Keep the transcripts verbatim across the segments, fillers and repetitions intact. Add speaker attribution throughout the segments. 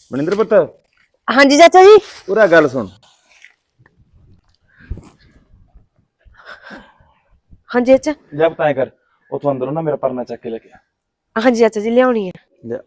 Speaker 1: ਮਨਿੰਦਰ ਪੁੱਤ
Speaker 2: हाँ जी चाचा जी।
Speaker 1: ਪੂਰਾ ਗੱਲ ਸੁਣ।
Speaker 2: हाँ जी चाचा।
Speaker 1: ਜਬ ਤਾਂ ਕਰ ਉਥੋਂ ਅੰਦਰੋਂ ਨਾ ਮੇਰਾ ਪਰਨਾ ਚੱਕ ਕੇ ਲੈ ਕੇ ਆ।
Speaker 2: हाँ जी चाचा जी लियानी है।
Speaker 1: ਲਿਆ।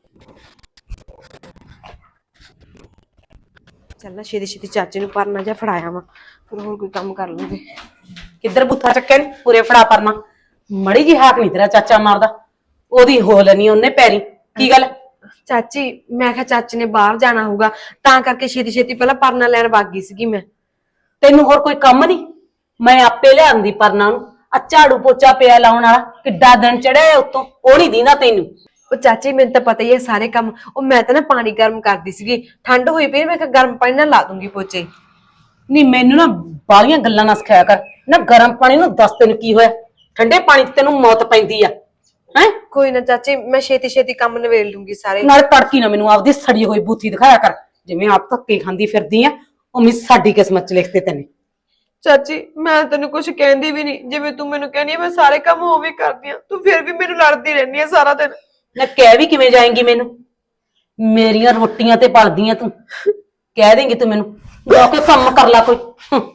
Speaker 2: चल ना छेती छेती चाचे नूं परना जा फड़ाया वा, फिर होर कोई काम कर लूंगे।
Speaker 3: किधर बुथा चक्के ने पूरे फड़ा परना मड़ी जी हाक नहीं तेरा चाचा मारदा ओदी हो लेनी ओने पैरी की गल
Speaker 2: चाची मैं क्या चाचे ने बाहर जाना होगा तां करके छेती छेती पहला परना लैन भाग गई सीगी मैं।
Speaker 3: तेनू होर कोई कम नहीं मैं आपे लियांदी परना नूं आ झाड़ू पोचा पिया लाउण वाला किड्डा दिन चढ़िया उत्तों ओ नहीं दींदा तैनू।
Speaker 2: ਉਹ ਚਾਚੀ ਮੈਨੂੰ ਤਾਂ ਪਤਾ ਹੀ ਹੈ ਸਾਰੇ ਕੰਮ। ਉਹ ਮੈਂ ਤਾਂ ਨਾ ਪਾਣੀ ਗਰਮ ਕਰਦੀ ਸੀਗੀ, ਠੰਡ ਹੋਈ ਪਈ ਮੈਂ ਕਿਹਾ ਗਰਮ ਪਾਣੀ ਨਾਲ ਲਾ ਦੂੰਗੀ ਪੋਚੇ।
Speaker 3: नहीं मैनू ना बालियां गल्लां ना सिखाया कर ना गरम पानी नूं दस तेन की होया ठंडे पानी च तेनू मौत पैंदी आ हैं।
Speaker 2: ਕੋਈ ਨਾ ਚਾਚੀ ਮੈਂ ਛੇਤੀ ਛੇਤੀ ਕੰਮ ਨਵੇੜ ਲੂੰਗੀ ਸਾਰੇ।
Speaker 3: नाले तड़की ना मैनू आपदी सड़ी होई बूथी दिखाया कर जिवें आप धक्के खांदी फिरदी आ उवें साडी किस्मत च लिखते तैने।
Speaker 2: ਚਾਚੀ ਮੈਂ ਤੈਨੂੰ ਕੁਝ ਕਹਿੰਦੀ ਵੀ ਨਹੀਂ, ਜਿਵੇਂ ਤੂੰ ਮੈਨੂੰ ਕਹਿੰਦੀ ਮੈਂ ਸਾਰੇ ਕੰਮ ਹੋ ਵੀ ਕਰਦੀ ਆ, ਤੂੰ ਫਿਰ ਵੀ ਮੈਨੂੰ ਲੜਦੀ ਰਹਿੰਦੀ ਆ ਸਾਰਾ ਦਿਨ।
Speaker 3: ना कह भी किवें जाएंगी मैनू मेरियां रोटियां ते पलदियां तू कह देंगी तू मैनू जाके काम कर ला कोई।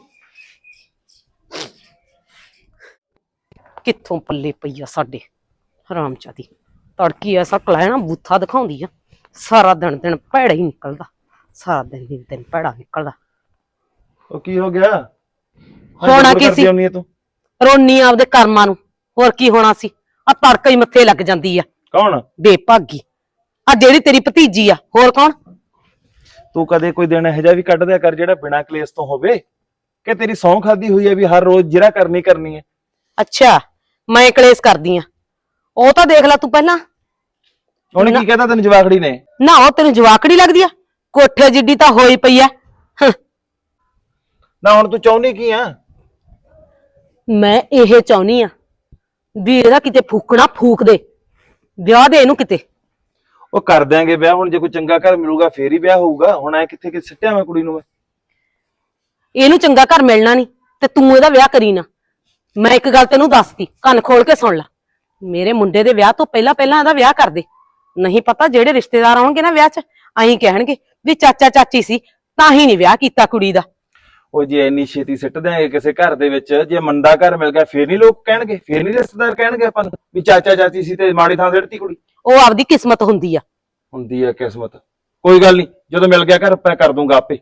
Speaker 3: कित्थों पल्ले पई आ साडे हरामजादी तड़की ऐसा कलैना बूथा दिखाउंदी आ सारा दिन दिन भैड़ा ही निकलदा सारा दिन दिन दिन भैड़ा निकलदा।
Speaker 1: ਉਹ ਕੀ ਹੋ ਗਿਆ?
Speaker 3: होना की सी
Speaker 1: ਆਉਣੀ ਹੈ ਤੂੰ?
Speaker 3: रोनी आपदे कर्मां नू होर की होना सी आ तड़का ही मत्थे लग जांदी आ
Speaker 1: ਕੌਣ?
Speaker 3: बेभागी आ जेड़ी तेरी भतीजी आ होर कौन?
Speaker 1: ਤੂੰ ਕਦੇ ਕੋਈ ਦਿਨ ਇਹੋ ਜਿਹਾ ਵੀ ਕੱਢ ਦਿਆ ਕਰ ਜਿਹੜਾ ਬਿਨਾਂ ਕਲੇਸ਼ ਤੋਂ ਹੋਵੇ ਕਿ ਤੇਰੀ ਸੌਂ ਖਾਦੀ ਹੋਈ ਹੈ ਵੀ ਹਰ ਰੋਜ਼ ਜਿਹੜਾ ਕਰਨੀ ਕਰਨੀ ਹੈ।
Speaker 3: अच्छा मैं कलेस करदी आ ओ तां देख ला तू पहला
Speaker 1: ਉਹਨੇ ਕੀ ਕਹਿਤਾ ਤੈਨੂੰ ਜਵਾਖੜੀ ਨੇ?
Speaker 3: ना ओ तेनू जवाकड़ी लगदी आ कोठे जिड्डी तां होई पई आ।
Speaker 1: ਨਾ ਹੁਣ ਤੂੰ ਚਾਹੁੰਦੀ ਕੀ ਆ?
Speaker 3: मैं ਇਹ ਚਾਹੁੰਨੀ ਆ ਵੀ ਇਹਦਾ ਕਿਤੇ ਫੂਕਣਾ ਫੂਕ ਦੇ ਵਿਆਹ ਦੇ ਇਹਨੂੰ ਕਿਤੇ।
Speaker 1: ਉਹ ਕਰ ਦਿਆਂਗੇ ਵਿਆਹ, ਹੁਣ ਜੇ ਕੋਈ ਚੰਗਾ ਘਰ ਮਿਲੂਗਾ ਫੇਰ ਹੀ ਵਿਆਹ ਹੋਊਗਾ। ਹੁਣ ਐ ਕਿੱਥੇ ਕਿ ਸਿੱਟਿਆ ਮੈਂ ਕੁੜੀ ਨੂੰ ਮੈਂ।
Speaker 3: ਇਹਨੂੰ ਚੰਗਾ ਘਰ ਮਿਲਣਾ ਨਹੀਂ ਤੇ ਤੂੰ ਇਹਦਾ ਵਿਆਹ ਕਰੀ ਨਾ। ਮੈਂ ਇੱਕ ਗੱਲ ਤੈਨੂੰ ਦੱਸਦੀ ਕੰਨ ਖੋਲ ਕੇ ਸੁਣ ਲੈ ਮੇਰੇ ਮੁੰਡੇ ਦੇ ਵਿਆਹ ਤੋਂ ਪਹਿਲਾਂ ਪਹਿਲਾਂ ਇਹਦਾ ਵਿਆਹ ਕਰ ਦੇ। ਨਹੀਂ ਪਤਾ ਜਿਹੜੇ ਰਿਸ਼ਤੇਦਾਰ ਆਉਣਗੇ ਨਾ ਵਿਆਹ 'ਚ ਐਂ ਕਹਿਣਗੇ ਵੀ ਚਾਚਾ ਚਾਚੀ ਸੀ ਤਾਂ ਹੀ ਨਹੀਂ ਵਿਆਹ ਕੀਤਾ ਕੁੜੀ ਦਾ।
Speaker 1: ਉਹ ਜੇ ਇੰਨੀ ਛੇਤੀ ਸਿੱਟ ਦਿਆਂਗੇ ਕਿਸੇ ਘਰ ਦੇ ਵਿੱਚ, ਜੇ ਮੰਦਾ ਘਰ ਮਿਲ ਗਿਆ ਫੇਰ ਨਹੀਂ ਲੋਕ ਕਹਿਣਗੇ, ਫੇਰ ਨਹੀਂ ਰਿਸ਼ਤੇਦਾਰ ਕਹਿਣਗੇ ਆਪਾਂ ਨੂੰ ਵੀ ਚਾਚਾ ਚਾਚੀ ਸੀ ਤੇ ਮਾੜੀ ਥਾਂ ਸਿੱਟਤੀ ਕੁੜੀ।
Speaker 3: ਉਹ ਆਪਦੀ ਕਿਸਮਤ ਹੁੰਦੀ ਆ।
Speaker 1: ਹੁੰਦੀ ਹੈ ਕਿਸਮਤ, ਕੋਈ ਗੱਲ ਨਹੀਂ ਜਦੋਂ ਮਿਲ ਗਿਆ ਘਰ ਮੈਂ ਕਰ ਦੂੰਗਾ ਆਪੇ।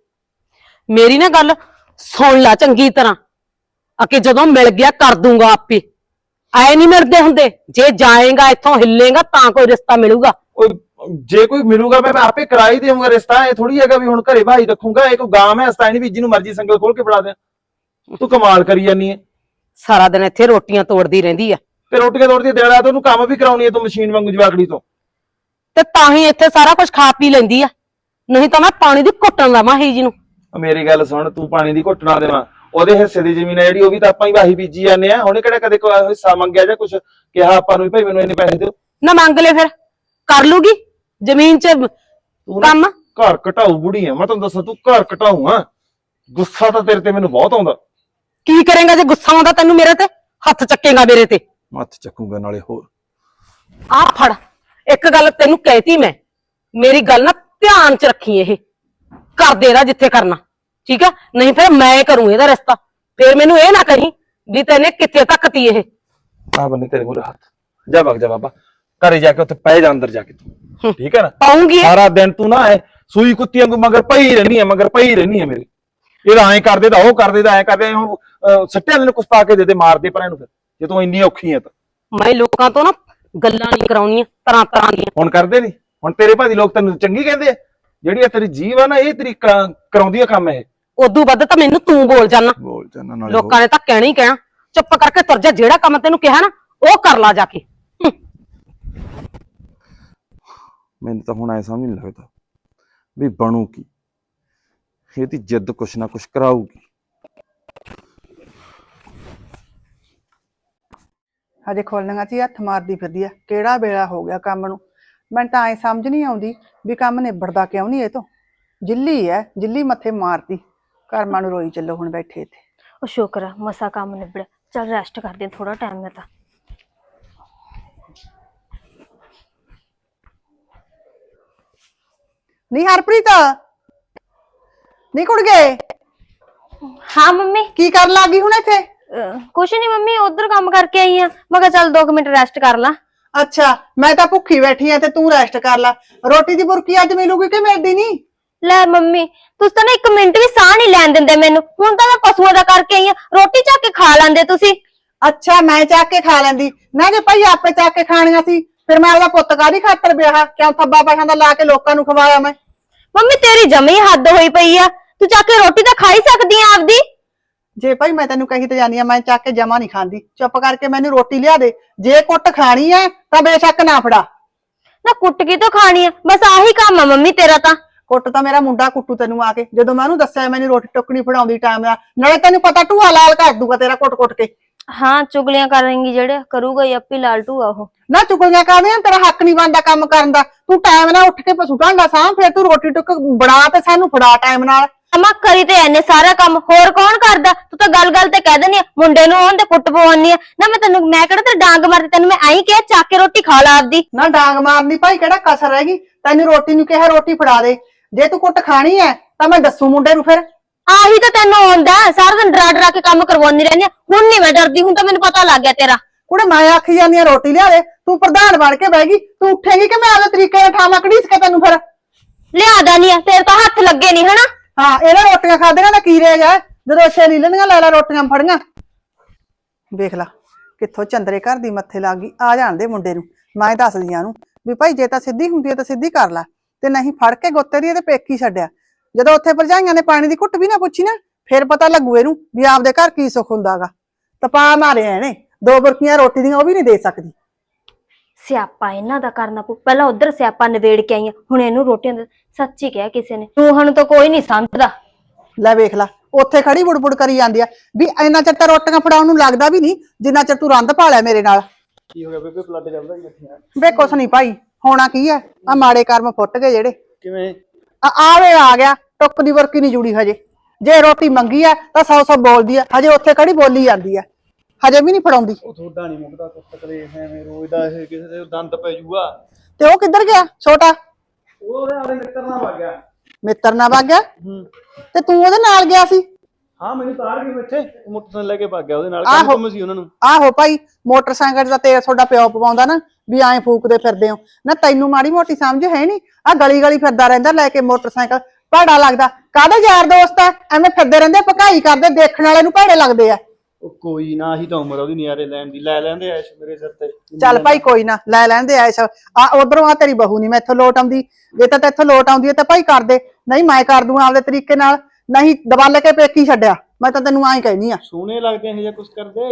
Speaker 3: ਮੇਰੀ ਨਾ ਗੱਲ ਸੁਣ ਲੈ ਚੰਗੀ ਤਰ੍ਹਾਂ ਅਕੇ ਜਦੋਂ ਮਿਲ ਗਿਆ ਕਰ ਦੂੰਗਾ ਆਪੇ। ਆਏ ਨਹੀਂ ਮਿਲਦੇ ਹੁੰਦੇ, ਜੇ ਜਾਏਗਾ ਇੱਥੋਂ ਹਿੱਲੇਗਾ ਤਾਂ ਕੋਈ ਰਿਸ਼ਤਾ ਮਿਲੂਗਾ।
Speaker 1: ਉਹ ਜੇ ਕੋਈ ਮਿਲੂਗਾ ਮੈਂ ਆਪੇ ਕਰਾ ਹੀ ਦੇਵਾਂਗਾ ਰਿਸ਼ਤਾ। ਇਹ ਥੋੜੀ ਹੈਗਾ ਵੀ ਹੁਣ ਘਰੇ ਭਾਈ ਰੱਖੂਗਾ। ਇਹ ਕੋਈ ਗਾਂ ਮੈਂ ਹਸਤਾ ਨਹੀਂ ਵੀ ਜਿਹਨੂੰ ਮਰਜ਼ੀ ਸੰਗਲ ਖੋਲ ਕੇ ਫੜਾ ਦਿਆਂ। ਤੂੰ ਕਮਾਲ ਕਰੀ ਜਾਨੀ ਹੈ।
Speaker 3: ਸਾਰਾ ਦਿਨ ਇੱਥੇ ਰੋਟੀਆਂ ਤੋੜਦੀ ਰਹਿੰਦੀ ਆ
Speaker 1: ਤੇ ਰੋਟੀਆਂ ਤੋੜਦੀ ਦੇਣਾ ਤੇ ਉਹਨੂੰ ਕੰਮ ਵੀ ਕਰਾਉਣੀ ਹੈ ਤੂੰ ਮਸ਼ੀਨ ਵਾਂਗੂ ਜਵਾਕੜੀ ਤੋਂ।
Speaker 3: ਤੇ ਤਾਂ ਹੀ ਇੱਥੇ ਸਾਰਾ ਕੁਝ ਖਾ ਪੀ ਲੈਂਦੀ ਆ, ਨਹੀਂ ਤਾਂ ਮੈਂ ਪਾਣੀ ਦੀ ਘੁੱਟਣ ਲਾਵਾਂ ਹੀ ਜੀ ਨੂੰ।
Speaker 1: ਮੇਰੀ ਗੱਲ ਸੁਣ, ਤੂੰ ਪਾਣੀ ਦੀ ਘੁੱਟ ਨਾ ਦੇਵਾਂ। ਉਹਦੇ ਹਿੱਸੇ ਦੀ ਜ਼ਮੀਨ ਹੈ ਜਿਹੜੀ ਉਹ ਵੀ ਤਾਂ ਆਪਾਂ ਹੀ ਵਾਹੀ ਬੀਜੀ ਜਾਂਦੇ ਆ। ਉਹਨੇ ਕਿਹੜਾ ਕਦੇ ਕੋਈ ਹਿੱਸਾ ਮੰਗਿਆ ਜਾਂ ਕੁਝ ਕਿਹਾ ਆਪਾਂ ਨੂੰ ਵੀ ਭਾਈ ਮੈਨੂੰ ਇੰਨੇ ਪੈਸੇ ਦਿਓ?
Speaker 3: ਨਾ ਮੰਗ ਲੈ ਫਿਰ ਕਰ ਲੂਗੀ ਜ਼ਮੀਨ 'ਚ ਕੰਮ।
Speaker 1: ਘਰ ਘਟਾਊ ਬੁੜੀ ਆ ਮੈਂ ਤੁਹਾਨੂੰ ਦੱਸਾਂ, ਤੂੰ ਘਰ ਘਟਾਊ ਆ। ਗੁੱਸਾ ਤਾਂ ਤੇਰੇ ਤੇ ਮੈਨੂੰ ਬਹੁਤ ਆਉਂਦਾ।
Speaker 3: ਕੀ ਕਰੇਗਾ ਜੇ ਗੁੱਸਾ ਆਉਂਦਾ ਤੈਨੂੰ ਮੇਰੇ ਤੇ? ਹੱਥ ਚੱਕੇਗਾ ਮੇਰੇ ਤੇ?
Speaker 1: ਮੱਥ ਚੱਕੂਗਾ ਨਾਲੇ ਹੋਰ।
Speaker 3: ਆ ਫੜ ਇੱਕ ਗੱਲ ਤੈਨੂੰ ਕਹਿਤੀ ਮੈਂ, ਮੇਰੀ ਗੱਲ ਨਾ ਧਿਆਨ 'ਚ ਰੱਖੀ। ਇਹ ਕਰ ਦੇ ਇਹਦਾ ਜਿੱਥੇ ਕਰਨਾ ਠੀਕ ਆ, ਨਹੀਂ ਫਿਰ ਮੈਂ ਕਰੂੰ ਇਹਦਾ ਰਿਸ਼ਤਾ। ਫਿਰ ਮੈਨੂੰ ਇਹ ਨਾ ਕਹੀਂ ਵੀ ਤੈਨੇ ਕਿੱਥੇ ਤੱਕ ਤੀ ਇਹ।
Speaker 1: ਆ ਬੰਨੇ ਤੇਰੇ ਮੂਹਰੇ ਹੱਥ। ਜਾ ਵਗ ਜਾ ਬਾਬਾ, ਘਰੇ ਜਾ ਕੇ ਉੱਥੇ ਪੈ ਜਾ ਅੰਦਰ ਜਾ ਕੇ ਤੂੰ, ਠੀਕ ਹੈ ਨਾ?
Speaker 3: ਪਾਉਂਗੀ
Speaker 1: ਸਾਰਾ ਦਿਨ ਤੂੰ ਨਾ ਐ ਸੂਈ ਕੁੱਤੀ ਵਾਂਗੂ ਮਗਰ ਪਈ ਰਹਿਣੀ ਹੈ, ਮਗਰ ਪਈ ਰਹਿਣੀ ਹੈ ਮੇਰੇ। ਇਹਦਾ ਐਂ ਕਰਦੇ ਤਾਂ ਉਹ ਕਰਦੇ ਤਾਂ ਐਂ ਕਰਦੇ। ਹੁਣ ਸੱਟਿਆਂ ਨੂੰ ਕੁਛ ਪਾ ਕੇ ਦੇ ਦੇ, ਮਾਰ ਦੇ ਪਰ ਇਹਨੂੰ ਫਿਰ ਜੇ ਤੂੰ ਇੰਨੀ ਔਖੀ ਹੈ ਤਾਂ।
Speaker 3: ਮੈਂ ਲੋਕਾਂ ਤੋਂ ਨਾ ਗੱਲਾਂ ਨਹੀਂ ਕਰਾਉਣੀਆਂ ਤਰ੍ਹਾਂ ਤਰ੍ਹਾਂ ਦੀਆਂ।
Speaker 1: ਹੁਣ ਕਰਦੇ ਨਹੀਂ? ਹੁਣ ਤੇਰੇ ਭਾਜੀ ਲੋਕ ਤੈਨੂੰ ਚੰਗੀ ਕਹਿੰਦੇ ਆ? ਜਿਹੜੀ ਆ ਤੇਰੀ ਜੀਵ ਆ ਨਾ ਇਹ ਤੇਰੀ ਕਰਾਉਂਦੀ ਆ ਕੰਮ। ਇਹ
Speaker 3: ਉਦੋਂ ਵੱਧ ਤਾਂ ਮੈਨੂੰ ਤੂੰ ਬੋਲ ਜਾਣਾ।
Speaker 1: ਬੋਲ ਜਾਣਾ ਨਾਲੇ
Speaker 3: ਲੋਕਾਂ ਨੇ ਤਾਂ ਕਹਿਣਾ ਹੀ ਕਹਿਣਾ। ਚੁੱਪ ਕਰਕੇ ਤੁਰ ਜਾ, ਜਿਹੜਾ ਕੰਮ ਤੈਨੂੰ ਕਿਹਾ ਨਾ ਉਹ ਕਰ ਲਾ ਜਾ ਕੇ।
Speaker 1: ਮੈਨੂੰ ਤਾਂ ਹੁਣ ਐ ਸਮਝ ਨਹੀਂ ਲੱਗਦਾ ਵੀ ਬਣੂ ਕੀ। ਇਹਦੀ ਜਿੱਦ ਕੁਛ ਨਾ ਕੁਛ ਕਰਾਊਗੀ।
Speaker 4: ਹਜੇ ਖੋਲਣੀਆਂ ਸੀ ਹੱਥ ਮਾਰਦੀ ਫਿਰਦੀ ਆ। ਕਿਹੜਾ ਵੇਲਾ ਹੋ ਗਿਆ ਕੰਮ ਨੂੰ? ਮੈਨੂੰ ਤਾਂ ਐ ਸਮਝ ਨਹੀਂ ਆਉਂਦੀ ਵੀ ਕੰਮ ਨਿਬੜਦਾ ਕਿਉਂ ਨਹੀਂ ਇਹ ਤੋਂ। ਜਿੱਲੀ ਐ, ਜਿੱਲੀ ਮੱਥੇ ਮਾਰਦੀ। ਕਰਮਾਂ ਨੂੰ ਰੋਈ ਚੱਲੋ ਹੁਣ ਬੈਠੇ ਇੱਥੇ।
Speaker 5: ਉਹ ਸ਼ੁਕਰ ਆ ਮਸਾ ਕੰਮ ਨਿਬੜਿਆ। ਚੱਲ ਰੈਸਟ ਕਰਦੇ ਥੋੜਾ ਟਾਈਮ ਮੈਂ ਤਾਂ।
Speaker 4: ਨਹੀਂ ਹਰਪ੍ਰੀਤ ਨਹੀਂ ਕੁੜ ਗਏ
Speaker 5: ਹਾਂ ਮੰਮੀ
Speaker 4: ਕੀ ਕਰਨ ਲੱਗੀ ਹੁਣ ਇੱਥੇ?
Speaker 5: ਅਹ, ਕੁਛ ਨਹੀਂ ਮੰਮੀ ਉਧਰ ਕੰਮ ਕਰਕੇ ਆਈ ਆ। ਮੈਂ ਕਿਹਾ ਚੱਲ ਦੋ ਕੁ ਮਿੰਟ ਰੈਸਟ ਕਰ ਲਾਂ।
Speaker 4: ਅੱਛਾ ਮੈਂ ਤਾਂ ਭੁੱਖੀ ਬੈਠੀ ਆ ਤੇ ਤੂੰ ਰੈਸਟ ਕਰ ਲੈ। ਰੋਟੀ ਦੀ ਬੁਰਕੀ ਅੱਜ ਮਿਲੂਗੀ ਕਿ ਮਿਲਦੀ ਨਹੀਂ?
Speaker 5: ਲੈ ਮੰਮੀ ਤੁਸੀਂ ਤਾਂ ਨਾ ਇੱਕ ਮਿੰਟ ਵੀ ਸਾਹ ਨਹੀਂ ਲੈਣ ਦਿੰਦੇ ਮੈਨੂੰ। ਹੁਣ ਤਾਂ ਮੈਂ ਪਸ਼ੂਆਂ ਦਾ ਕਰਕੇ ਆਈ ਆ, ਰੋਟੀ ਚੱਕ ਕੇ ਖਾ ਲੈਂਦੇ ਤੁਸੀਂ।
Speaker 4: ਅੱਛਾ ਮੈਂ ਚੱਕ ਕੇ ਖਾ ਲੈਂਦੀ ਨਾ, ਜੇ ਭਾਈ ਆਪੇ ਚੱਕ ਕੇ ਖਾਣੀਆਂ ਸੀ ਫਿਰ ਮੈਂ ਉਹਦਾ ਪੁੱਤ ਕਾਹਦੀ ਖਾਤਰ ਵਿਆਹ ਕਿਉਂ ਥੱਬਾ ਪੈਸਿਆਂ ਦਾ ਲਾ ਕੇ ਲੋਕਾਂ ਨੂੰ ਖਵਾਇਆ ਮੈਂ?
Speaker 5: ਮੰਮੀ ਤੇਰੀ ਜਮੀ ਹੱਦ ਹੋਈ ਪਈ ਆ, ਤੂੰ ਚੱਕ ਕੇ ਰੋਟੀ ਤਾਂ ਖਾ ਹੀ ਸਕਦੀ ਆ ਆਪਦੀ।
Speaker 4: ਜੇ ਭਾਈ ਮੈਂ ਤੈਨੂੰ ਕਹੀ ਤੇ ਜਾਨੀ ਆ, ਮੈਂ ਚੱਕ ਕੇ ਜਮਾ ਨਹੀਂ ਖਾਂਦੀ। ਚੁੱਪ ਕਰਕੇ ਮੈਨੂੰ ਰੋਟੀ ਲਿਆ ਦੇ। ਜੇ ਕੁੱਟ ਖਾਣੀ ਐ ਤਾਂ ਬੇਸ਼ੱਕ ਨਾ ਫੜਾ।
Speaker 5: ਨਾ ਕੁੱਟ ਕੀ ਤੋਂ ਖਾਣੀ ਆ, ਬਸ ਆਹੀ ਕੰਮ ਆ ਮੰਮੀ ਤੇਰਾ ਤਾਂ।
Speaker 4: ਕੁੱਟ ਤਾਂ ਮੇਰਾ ਮੁੰਡਾ ਕੁੱਟੂ ਤੈਨੂੰ ਆ ਕੇ, ਜਦੋਂ ਮੈਂ ਉਹਨੂੰ ਦੱਸਿਆ ਮੈਨੂੰ ਰੋਟੀ ਟੁੱਕਣੀ ਫੜਾਉਂਦੀ ਟਾਈਮ ਨਾਲ। ਨਾਲੇ ਤੈਨੂੰ ਪਤਾ ਢੂਆ ਲਾਲ ਕਰ ਦੂਗਾ ਤੇਰਾ ਕੁੱਟ-ਕੁੱਟ ਕੇ।
Speaker 5: ਹਾਂ ਚੁਗਲੀਆਂ ਕਰਾਂਗੀ ਜਿਹੜੇ ਕਰੂਗਾ ਹੀ ਆਪੇ ਲਾਲਟੂ ਆ ਉਹ।
Speaker 4: ਨਾ ਚੁਗਲੀਆਂ ਕਰਦੇ ਆ, ਤੇਰਾ ਹੱਕ ਨਹੀਂ ਬਣਦਾ ਕੰਮ ਕਰਨ ਦਾ। ਤੂੰ ਟਾਈਮ ਨਾਲ ਉੱਠ ਕੇ ਪਸ਼ੂ ਢਾਂਡਾ ਸਾਂ, ਫਿਰ ਤੂੰ ਰੋਟੀ ਟੁੱਕ ਬਣਾ ਤੇ ਸਾਨੂੰ ਫੜਾ ਟਾਈਮ ਨਾਲ।
Speaker 5: ਅਮਾ ਕਰੀ ਤੇ ਐਨੇ ਸਾਰਾ ਕੰਮ, ਹੋਰ ਕੌਣ ਕਰਦਾ? ਤੂੰ ਤਾਂ ਗੱਲ ਗੱਲ ਤੇ ਕਹਿ ਦਿੰਦੀ ਆ ਮੁੰਡੇ ਨੂੰ ਉਹਨ ਤੇ ਕੁੱਟ ਪਵਾਉਣੀ ਆ ਨਾ। ਮੈਂ ਤੈਨੂੰ ਮੈਂ ਕਿਹੜਾ ਤੇ ਡਾਂਗ ਮਾਰਦੀ, ਤੈਨੂੰ ਮੈਂ ਐਂ ਕਿਹਾ ਚੱਕ ਕੇ ਰੋਟੀ ਖਾ ਲਾ ਆਪਦੀ।
Speaker 4: ਨਾ ਡਾਂਗ ਮਾਰਨੀ ਭਾਈ ਕਿਹੜਾ ਕਸਰ ਰਹਿ ਤੈਨੂੰ? ਰੋਟੀ ਨੂੰ ਕਿਹਾ ਰੋਟੀ ਫੜਾ ਦੇ। ਜੇ ਤੂੰ ਕੁੱਟ ਖਾਣੀ ਐ ਤਾਂ ਮੈਂ ਦੱਸੂ ਮੁੰਡੇ ਨੂੰ। ਫਿਰ
Speaker 5: ਆਹੀ ਤਾਂ ਤੈਨੂੰ ਆਉਂਦਾ, ਸਾਰਾ ਦਿਨ ਡਰਾ ਡਰਾ ਕੇ ਕੰਮ ਕਰਵਾਉਂਦੀ ਰਹਿੰਦੀ ਆ। ਹੁਣ ਨਹੀਂ ਮੈਂ ਡਰਦੀ, ਹੁਣ ਤਾਂ ਮੈਨੂੰ ਪਤਾ ਲੱਗ ਗਿਆ ਤੇਰਾ।
Speaker 4: ਕੁੜੇ ਮੈਂ ਆਖੀ ਜਾਂਦੀ ਆ ਰੋਟੀ ਲਿਆ ਦੇ, ਤੂੰ ਪ੍ਰਧਾਨ ਬਣ ਕੇ ਬਹਿ ਗਈ। ਤੂੰ ਉੱਠੇਗੀ ਕਿ ਮੈਂ ਆਪਦੇ ਤਰੀਕੇ ਨਾਲ ਠਾਵਾਂ ਘੜੀਸ ਕੇ ਤੈਨੂੰ? ਫਿਰ
Speaker 5: ਲਿਆਦਾ ਨਹੀਂ ਆ, ਤੇਰੇ ਤਾਂ ਹੱਥ ਲੱਗੇ ਨਹੀਂ ਹਨਾ।
Speaker 4: ਹਾਂ ਇਹਨਾਂ ਰੋਟੀਆਂ ਖਾਧੀਆਂ ਦਾ ਕੀ ਰਹਿ ਗਿਆ? ਜਦੋਂ ਅੱਛੇ ਲੀ ਲੈਣੀਆਂ ਲੈ ਲੈ ਰੋਟੀਆਂ ਫੜੀਆਂ। ਵੇਖ ਲਾ ਕਿੱਥੋਂ ਚੰਦਰੇ ਘਰ ਦੀ ਮੱਥੇ ਲੱਗ ਗਈ। ਆ ਜਾਣ ਦੇ ਮੁੰਡੇ ਨੂੰ, ਮੈਂ ਦੱਸਦੀ ਆ ਉਹਨੂੰ ਵੀ ਭਾਈ ਜੇ ਤਾਂ ਸਿੱਧੀ ਹੁੰਦੀ ਹੈ ਤਾਂ ਸਿੱਧੀ ਕਰ ਲੈ, ਤੇ ਨਹੀਂ ਫੜ ਕੇ ਗੋਤੇ ਦੀ ਇਹਦੇ ਪੇਕੀ ਛੱਡਿਆ। ਜਦੋਂ ਉੱਥੇ ਭਰਜਾਈਆਂ ਨੇ ਪਾਣੀ ਦੀ ਘੁੱਟ ਵੀ ਨਾ ਪੁੱਛੀ ਨਾ, ਫਿਰ ਪਤਾ ਲੱਗੂ ਇਹਨੂੰ ਵੀ ਆਪਦੇ ਘਰ ਕੀ ਸੁੱਖ ਹੁੰਦਾਗਾ। ਤਪਾ ਮਾਰਿਆ ਇਹਨੇ, ਦੋ ਬੁਰਕੀਆਂ ਰੋਟੀ ਦੀਆਂ ਉਹ ਵੀ ਨਹੀਂ ਦੇ ਸਕਦੀ।
Speaker 5: ਸਿਆਪਾ ਇਹਨਾਂ ਦਾ ਕਰਨਾ ਪਊ। ਪਹਿਲਾਂ ਉਧਰ ਸਿਆਪਾ ਨਿਬੇੜ ਕੇ ਆਈਆਂ, ਹੁਣ ਇਹਨੂੰ ਰੋਟੀਆਂ ਦਾ ਸੱਚੀ ਕਿਹਾ ਕਿਸੇ ਨੇ। ਤੂੰ ਤਾਂ ਕੋਈ ਨਹੀਂ ਸਮਝਦਾ।
Speaker 4: ਲੈ ਵੇਖ ਲਾ ਉੱਥੇ ਖੜੀ ਬੁੜਬੁੜ ਕਰੀ ਜਾਂਦੀ ਆ ਵੀ ਇੰਨਾ ਚਿਰ ਤਾਂ ਰੋਟੀਆਂ ਫੜਾਉਣ ਨੂੰ ਲੱਗਦਾ ਵੀ ਨਹੀਂ ਜਿੰਨਾ ਚਿਰ ਤੂੰ ਰੰਦ ਭਾਲਿਆ ਮੇਰੇ ਨਾਲ।
Speaker 1: ਕੀ ਹੋ ਗਿਆ ਬੇਬੇ? ਬਲੱਡ ਚੱਲਦਾ ਹੀ
Speaker 4: ਵੇ ਕੁਛ ਨਹੀਂ ਭਾਈ, ਹੋਣਾ ਕੀ ਆ, ਆ ਮਾੜੇ ਕਰਮ ਫੁੱਟ ਗਏ ਜਿਹੜੇ।
Speaker 1: ਕਿਵੇਂ?
Speaker 4: ਆ ਆਵੇ ਆ ਗਿਆ, ਟੁੱਕ ਦੀ ਵਰਕੀ ਨਹੀਂ ਜੁੜੀ ਹਜੇ। ਜੇ ਰੋਟੀ ਮੰਗੀ ਆ ਤਾਂ ਸੌ ਸੌ ਬੋਲਦੀ ਆ, ਹਜੇ ਉੱਥੇ ਖੜੀ ਬੋਲੀ ਜਾਂਦੀ ਆ, ਹਜੇ ਵੀ ਨਹੀਂ ਫੜਾਉਂਦੀ।
Speaker 1: ਉਹ ਤੁਹਾਡਾ ਨਹੀਂ ਮੁੱਕਦਾ ਕੁੱਤਕਲੇ ਐਵੇਂ ਰੋਜ਼ ਦਾ। ਇਹ ਕਿਸੇ ਦੇ ਦੰਦ ਪੈ ਜੂਗਾ।
Speaker 4: ਤੇ ਉਹ ਕਿੱਧਰ ਗਿਆ ਛੋਟਾ?
Speaker 1: ਉਹ ਉਹਦੇ ਆਲੇ ਮਿੱਤਰ ਨਾਲ ਵਗ ਗਿਆ।
Speaker 4: ਮਿੱਤਰ ਨਾਲ ਵਗ ਗਿਆ?
Speaker 1: ਹੂੰ
Speaker 4: ਤੇ ਤੂੰ ਉਹਦੇ ਨਾਲ ਗਿਆ ਸੀ?
Speaker 1: ਹਾਂ ਮੈਨੂੰ ਤਾਰ ਗਈ ਇੱਥੇ, ਮੋਟਰਸਾਈਕਲ ਲੈ ਕੇ ਭੱਗ ਗਿਆ ਉਹਦੇ ਨਾਲ।
Speaker 4: ਆਹੋ।
Speaker 1: ਕੰਮ ਕੰਮ ਸੀ ਉਹਨਾਂ ਨੂੰ।
Speaker 4: ਆਹੋ ਭਾਈ ਮੋਟਰਸਾਈਕਲ ਦਾ ਤੇਲ ਤੁਹਾਡਾ ਪਿਓ ਪਵਾਉਂਦਾ ਨਾ, ਵੀ ਐਂ ਫੂਕਦੇ ਫਿਰਦੇ ਹੋ ਨਾ। ਤੈਨੂੰ ਮਾੜੀ ਮੋਟੀ ਸਮਝ ਹੈ ਨੀ? ਆ ਗਲੀ ਗਲੀ ਫਿਰਦਾ ਰਹਿੰਦਾ ਲੈ ਕੇ ਮੋਟਰਸਾਈਕਲ, ਭੈੜਾ ਲੱਗਦਾ। ਕਾਹਦੇ ਯਾਰ ਦੋਸਤ ਆ, ਐਵੇਂ ਫਿਰਦੇ ਰਹਿੰਦੇ, ਭਕਾਈ ਕਰਦੇ, ਦੇਖਣ ਵਾਲੇ ਨੂੰ ਭੈੜੇ ਲੱਗਦੇ ਆ।
Speaker 1: ਉਹ ਕੋਈ ਨਾ, ਹੀ ਤਾਂ ਉਮਰ ਉਹਦੀ ਨਿਆਰੇ ਲੈਣ ਦੀ। ਲੈ ਲੈਂਦੇ ਐਸ਼ ਮੇਰੇ ਸਿਰ ਤੇ।
Speaker 4: ਚੱਲ ਭਾਈ ਕੋਈ ਨਾ, ਲੈ ਲੈਂਦੇ ਐਸ਼। ਆ ਉਧਰੋਂ ਆ ਤੇਰੀ ਬਹੂ ਨੀ ਮੈਥੋਂ ਲੋਟ ਆਉਂਦੀ। ਜੇ ਤਾਂ ਤੇਥੋਂ ਲੋਟ ਆਉਂਦੀ ਹੈ ਤਾਂ ਭਾਈ ਕਰ ਦੇ, ਨਹੀਂ ਮੈਂ ਕਰ ਦੂੰ ਆਪਦੇ ਤਰੀਕੇ ਨਾਲ। ਨਹੀਂ ਦਬਾਲੇ ਕੇ ਪੇਕੀ ਛੱਡਿਆ, ਮੈਂ ਤਾਂ ਤੈਨੂੰ ਐਂ ਕਹਿਨੀ ਆ।
Speaker 1: ਸੋਹਣੇ ਲੱਗਦੇ ਇਹ ਜਾਂ ਕੁਛ ਕਰਦੇ।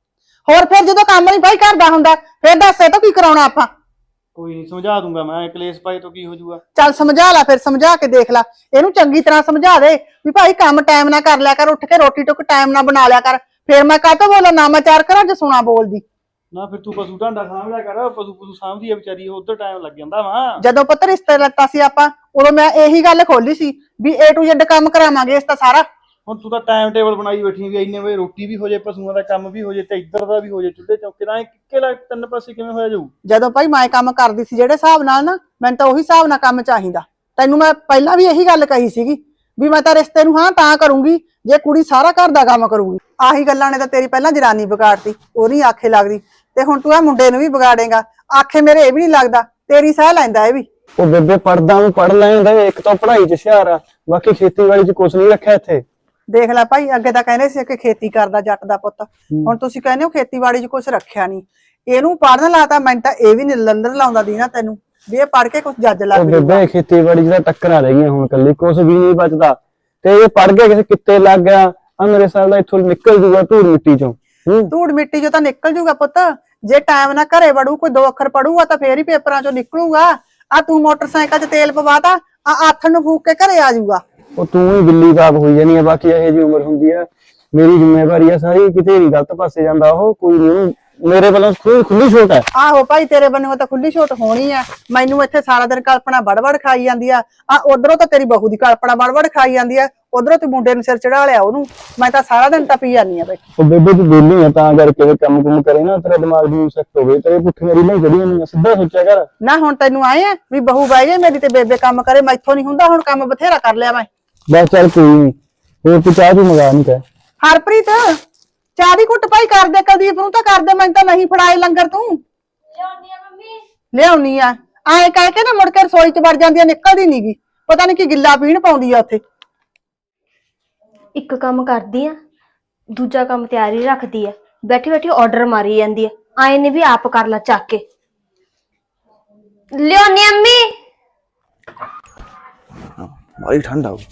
Speaker 4: ਹੋਰ ਫਿਰ ਜਦੋਂ ਕੰਮ ਨਹੀਂ ਭਾਈ ਕਰਦਾ ਹੁੰਦਾ ਫਿਰ ਦੱਸ ਇਹ ਤੋਂ ਕੀ ਕਰਾਉਣਾ ਆਪਾਂ?
Speaker 1: ਕੋਈ ਨਹੀਂ ਸਮਝਾ ਦੂੰਗਾ ਮੈਂ। ਕਲੇਸ਼ ਪਾਏ ਤੋਂ ਕੀ ਹੋ ਜਾਊਗਾ?
Speaker 4: ਚੱਲ ਸਮਝਾ ਲੈ, ਫਿਰ ਸਮਝਾ ਕੇ ਦੇਖ ਲੈ। ਇਹਨੂੰ ਚੰਗੀ ਤਰ੍ਹਾਂ ਸਮਝਾ ਦੇ ਵੀ ਭਾਈ ਕੰਮ ਟਾਈਮ ਨਾਲ ਕਰ ਲਿਆ ਕਰ, ਉੱਠ ਕੇ ਰੋਟੀ ਟੁੱਕ ਟਾਈਮ ਨਾਲ ਬਣਾ ਲਿਆ ਕਰ। ਫਿਰ ਮੈਂ ਕਾਹਤੋਂ ਬੋਲਾਂ ਨਾ ਮੈਂ ਚਾਰ ਕਰਾਂ ਜੇ ਸੁਣਾ ਬੋਲਦੀ
Speaker 1: ਨਾ। ਫਿਰ ਤੂੰ ਪਸ਼ੂ ਢਾਂਡਾ ਸਾਂਭ ਲਿਆ ਕਰ। ਪਸ਼ੂ ਪਸ਼ੂ ਸਾਂਭਦੀ ਆ ਵਿਚਾਰੀ, ਉਧਰ ਟਾਈਮ ਲੱਗ ਜਾਂਦਾ ਵਾ।
Speaker 4: ਜਦੋਂ ਪੁੱਤ ਰਿਸ਼ਤੇ ਲੱਤਾ ਸੀ ਆਪਾਂ, ਉਦੋਂ ਮੈਂ ਇਹੀ ਗੱਲ ਖੋਲੀ ਸੀ ਵੀ ਏ ਟੂ ਜ਼ੈਡ ਕੰਮ ਕਰਾਵਾਂਗੇ ਇਸ ਤਾਂ ਸਾਰਾ।
Speaker 1: ਹੁਣ ਤੂੰ ਤਾਂ ਟਾਈਮ ਟੇਬਲ ਬਣਾਈ ਬੈਠੀ ਵੀ ਇੰਨੇ ਵਜੇ ਰੋਟੀ ਵੀ ਹੋ ਜਾਏ, ਪਸ਼ੂਆਂ ਦਾ ਕੰਮ ਵੀ ਹੋ ਜਾਏ, ਤੇ ਇੱਧਰ ਦਾ ਵੀ ਹੋ ਜਾਏ, ਚੁੱਲ੍ਹੇ ਚੌਕੇ ਦਾ। ਕਿੱਕੇ ਲੱਗ ਤਿੰਨ ਪਾਸੇ ਕਿਵੇਂ ਹੋਇਆ ਜਾਊ?
Speaker 4: ਜਦੋਂ ਭਾਈ ਮੈਂ ਕੰਮ ਕਰਦੀ ਸੀ ਜਿਹੜੇ ਹਿਸਾਬ ਨਾਲ ਨਾ, ਮੈਨੂੰ ਤਾਂ ਉਹੀ ਹਿਸਾਬ ਨਾਲ ਕੰਮ ਚਾਹੀਦਾ। ਤੈਨੂੰ ਮੈਂ ਪਹਿਲਾਂ ਵੀ ਇਹੀ ਗੱਲ ਕਹੀ ਸੀਗੀ ਵੀ ਮੈਂ ਤਾਂ ਰਿਸ਼ਤੇ ਨੂੰ ਹਾਂ ਤਾਂ ਕਰੂੰਗੀ ਜੇ ਕੁੜੀ ਸਾਰਾ ਘਰ ਦਾ ਕੰਮ ਕਰੂਗੀ। ਆਹੀ ਗੱਲਾਂ ਨੇ ਤਾਂ ਤੇਰੀ ਪਹਿਲਾਂ ਜਨਾਨੀ ਵਿਗਾੜਤੀ, ਉਹ ਨਹੀਂ ਆਖੇ ਲੱਗਦੀ, ਤੇ ਹੁਣ ਤੂੰ ਆ ਮੁੰਡੇ ਨੂੰ ਵੀ ਵਿਗਾੜੇਗਾ। ਆਖੇ ਮੇਰੇ ਇਹ ਵੀ ਨਹੀਂ ਲੱਗਦਾ, ਤੇਰੀ ਸਾਹ ਲੈਂਦਾ ਇਹ ਵੀ।
Speaker 6: ਉਹ ਬੇਬੇ ਪੜਦਾ ਨੂੰ ਪੜ ਲੈਂਦਾ, ਇੱਕ ਤਾਂ ਪੜ੍ਹਾਈ ਚ ਹੁਸ਼ਿਆਰ ਆ, ਬਾਕੀ ਖੇਤੀਬਾੜੀ ਚ ਕੁਛ ਨਹੀਂ ਰੱਖਿਆ ਇੱਥੇ।
Speaker 4: ਦੇਖ ਲੈ ਭਾਈ, ਅੱਗੇ ਤਾਂ ਕਹਿੰਦੇ ਸੀ ਕਿ ਖੇਤੀ ਕਰਦਾ ਜੱਟ ਦਾ ਪੁੱਤ, ਹੁਣ ਤੁਸੀਂ ਕਹਿੰਦੇ ਹੋ ਖੇਤੀਬਾੜੀ ਚ ਕੁਛ ਰੱਖਿਆ ਨਹੀਂ। ਇਹਨੂੰ ਪੜਨ ਲਾਤਾ, ਮੈਨੂੰ ਤਾਂ ਇਹ ਵੀ ਨੀ ਲੰਦਰ ਲਾਉਂਦਾ ਦੀ ਨਾ ਤੈਨੂੰ ਵੀ ਇਹ ਪੜ ਕੇ ਕੁਛ ਜੱਜ ਲੱਗ
Speaker 6: ਉਹ ਬੇਬੇ ਖੇਤੀਬਾੜੀ ਚ ਤਾਂ ਟੱਕਰਾਂ ਰਹਿ ਗਈਆਂ ਹੁਣ, ਕੱਲੀ ਕੁਛ ਵੀ ਨਹੀਂ ਬਚਦਾ। ਤੇ ਇਹ ਪੜ ਕੇ ਕਿਸੇ ਕਿੱਤੇ ਲੱਗ ਗਿਆ, ਆ ਮੇਰੇ ਸਾਲ ਦਾ ਇੱਥੋਂ ਨਿਕਲ ਜੂਗਾ ਧੂੜ ਮਿੱਟੀ ਚੋਂ।
Speaker 4: ਧੂੜ ਮਿੱਟੀ ਚੋਂ ਤਾਂ ਨਿਕਲ ਜੂਗਾ ਪੁੱਤ, ਜੇ ਟਾਈਮ ਨਾਲ ਘਰੇ ਵੜੂ, ਕੋਈ ਦੋ ਅੱਖਰ ਪੜੂਗਾ ਤਾਂ ਫੇਰ ਹੀ ਪੇਪਰਾਂ ਚੋਂ ਨਿਕਲੂਗਾ। ਆ ਤੂੰ ਮੋਟਰਸਾਈਕਲ 'ਚ ਤੇਲ ਪਵਾਤਾ, ਆ ਆਥਣ ਨੂੰ ਫੂਕ ਕੇ ਘਰੇ ਆ ਜਾਊਗਾ।
Speaker 6: ਉਹ ਤੂੰ ਹੀ ਬਿੱਲੀ ਬਾਪ ਹੋਈ ਜਾਨੀ ਆ, ਬਾਕੀ ਇਹੋ ਜਿਹੀ ਉਮਰ ਹੁੰਦੀ ਆ। ਮੇਰੀ ਜ਼ਿੰਮੇਵਾਰੀ ਆ ਸਾਰੀ, ਕਿਤੇ ਨਹੀਂ ਗਲਤ ਪਾਸੇ ਜਾਂਦਾ ਉਹ। ਕੋਈ ਨਹੀਂ ਮੇਰੇ ਵੱਲੋਂ ਖੁੱਲੀ ਖੁੱਲੀ ਛੋਟ ਹੈ।
Speaker 4: ਆਹੋ ਭਾਈ ਤੇਰੇ ਬੰਨੋਂ ਤਾਂ ਖੁੱਲੀ ਛੋਟ ਹੋਣੀ ਆ। ਮੈਨੂੰ ਇੱਥੇ ਸਾਰਾ ਦਿਨ ਕਲਪਨਾ ਵੜ-ਵੜ ਖਾਈ ਜਾਂਦੀ ਆ ਆ ਉਧਰੋਂ ਤਾਂ ਤੇਰੀ ਬਹੂ ਦੀ ਕਲਪਨਾ ਵੜ-ਵੜ ਖਾਈ ਜਾਂਦੀ ਆ, ਉਧਰੋਂ ਤੇ ਮੁੰਡੇ ਨੂੰ ਸਿਰ ਚੜਾ ਲਿਆ ਉਹਨੂੰ। ਮੈਂ ਤਾਂ ਸਾਰਾ ਦਿਨ ਟੱਪੀ ਜਾਂਦੀ ਆ ਬੈਠੀ।
Speaker 6: ਉਹ ਬੇਬੇ ਤੂੰ ਬੋਲੀ ਆ ਤਾਂ ਕਰਕੇ ਕੰਮ ਕੁਮ ਕਰੇ ਨਾ ਤੇਰਾ ਦਿਮਾਗ ਵੀ ਸੈੱਟ ਹੋਵੇ, ਤੇਰੇ ਪੁੱਠੀਆਂ ਰੀਲਾਂ ਜਿਹੜੀਆਂ ਨਹੀਂ ਸਿੱਧਾ ਸੋਚਿਆ ਕਰ।
Speaker 4: ਨਾ ਹੁਣ ਤੈਨੂੰ ਆਏ ਆ ਵੀ ਬਹੂ ਬਾਈ ਜੇ ਮੇਰੀ ਤੇ ਬੇਬੇ ਕੰਮ ਕਰੇ, ਮੈਥੋਂ ਨਹੀਂ ਹੁੰਦਾ। ਹੁਣ ਕੰਮ ਬਥੇਰਾ ਕਰ ਲਿਆ ਮੈਂ।
Speaker 6: ਬਸ ਚੱਲ ਕੋਈ ਨਹੀਂ, ਹੋਰ ਤੂੰ ਚਾਹ ਤੂੰ ਮੰਗਾ ਨਹੀਂ ਕਹਿ।
Speaker 4: ਹਰਪ੍ਰੀਤ ਚਾਹ ਦੀ ਘੁੱਟ ਭਾਈ ਕਰ ਦੇ, ਕੁਲਦੀਪ ਨੂੰ ਤਾਂ ਕਰ ਦੇ, ਮੈਨੂੰ ਤਾਂ ਨਹੀਂ ਫੜਾਏ ਲੰਗਰ ਤੂੰ।
Speaker 5: ਲਿਆਉਣੀ ਆ ਮੰਮੀ।
Speaker 4: ਲਿਆਉਣੀ ਆ ਐ ਕਹਿ ਕੇ ਨਾ ਮੁੜ ਕੇ ਰਸੋਈ ਚ ਵੜ ਜਾਂਦੀ ਆ, ਨਿਕਲਦੀ ਨੀਗੀ। ਪਤਾ ਨਹੀਂ ਕੀ ਗਿੱਲਾ ਪੀਣ ਪਾਉਂਦੀ ਆ ਉੱਥੇ।
Speaker 5: ਇੱਕ ਕੰਮ ਕਰਦੀ ਆ, ਦੂਜਾ ਕੰਮ ਤਿਆਰੀ ਰੱਖਦੀ ਆ, ਬੈਠੀ ਬੈਠੀ ਆਰਡਰ ਮਾਰੀ ਜਾਂਦੀ ਆ। ਆਏ ਨੇ ਵੀ ਆਪ ਕਰ ਲਾ ਚੱਕ ਕੇ। ਲਿਆਉਣੀ ਆ ਅੰਮੀ।
Speaker 6: ਬੜੀ ਠੰਡ ਆ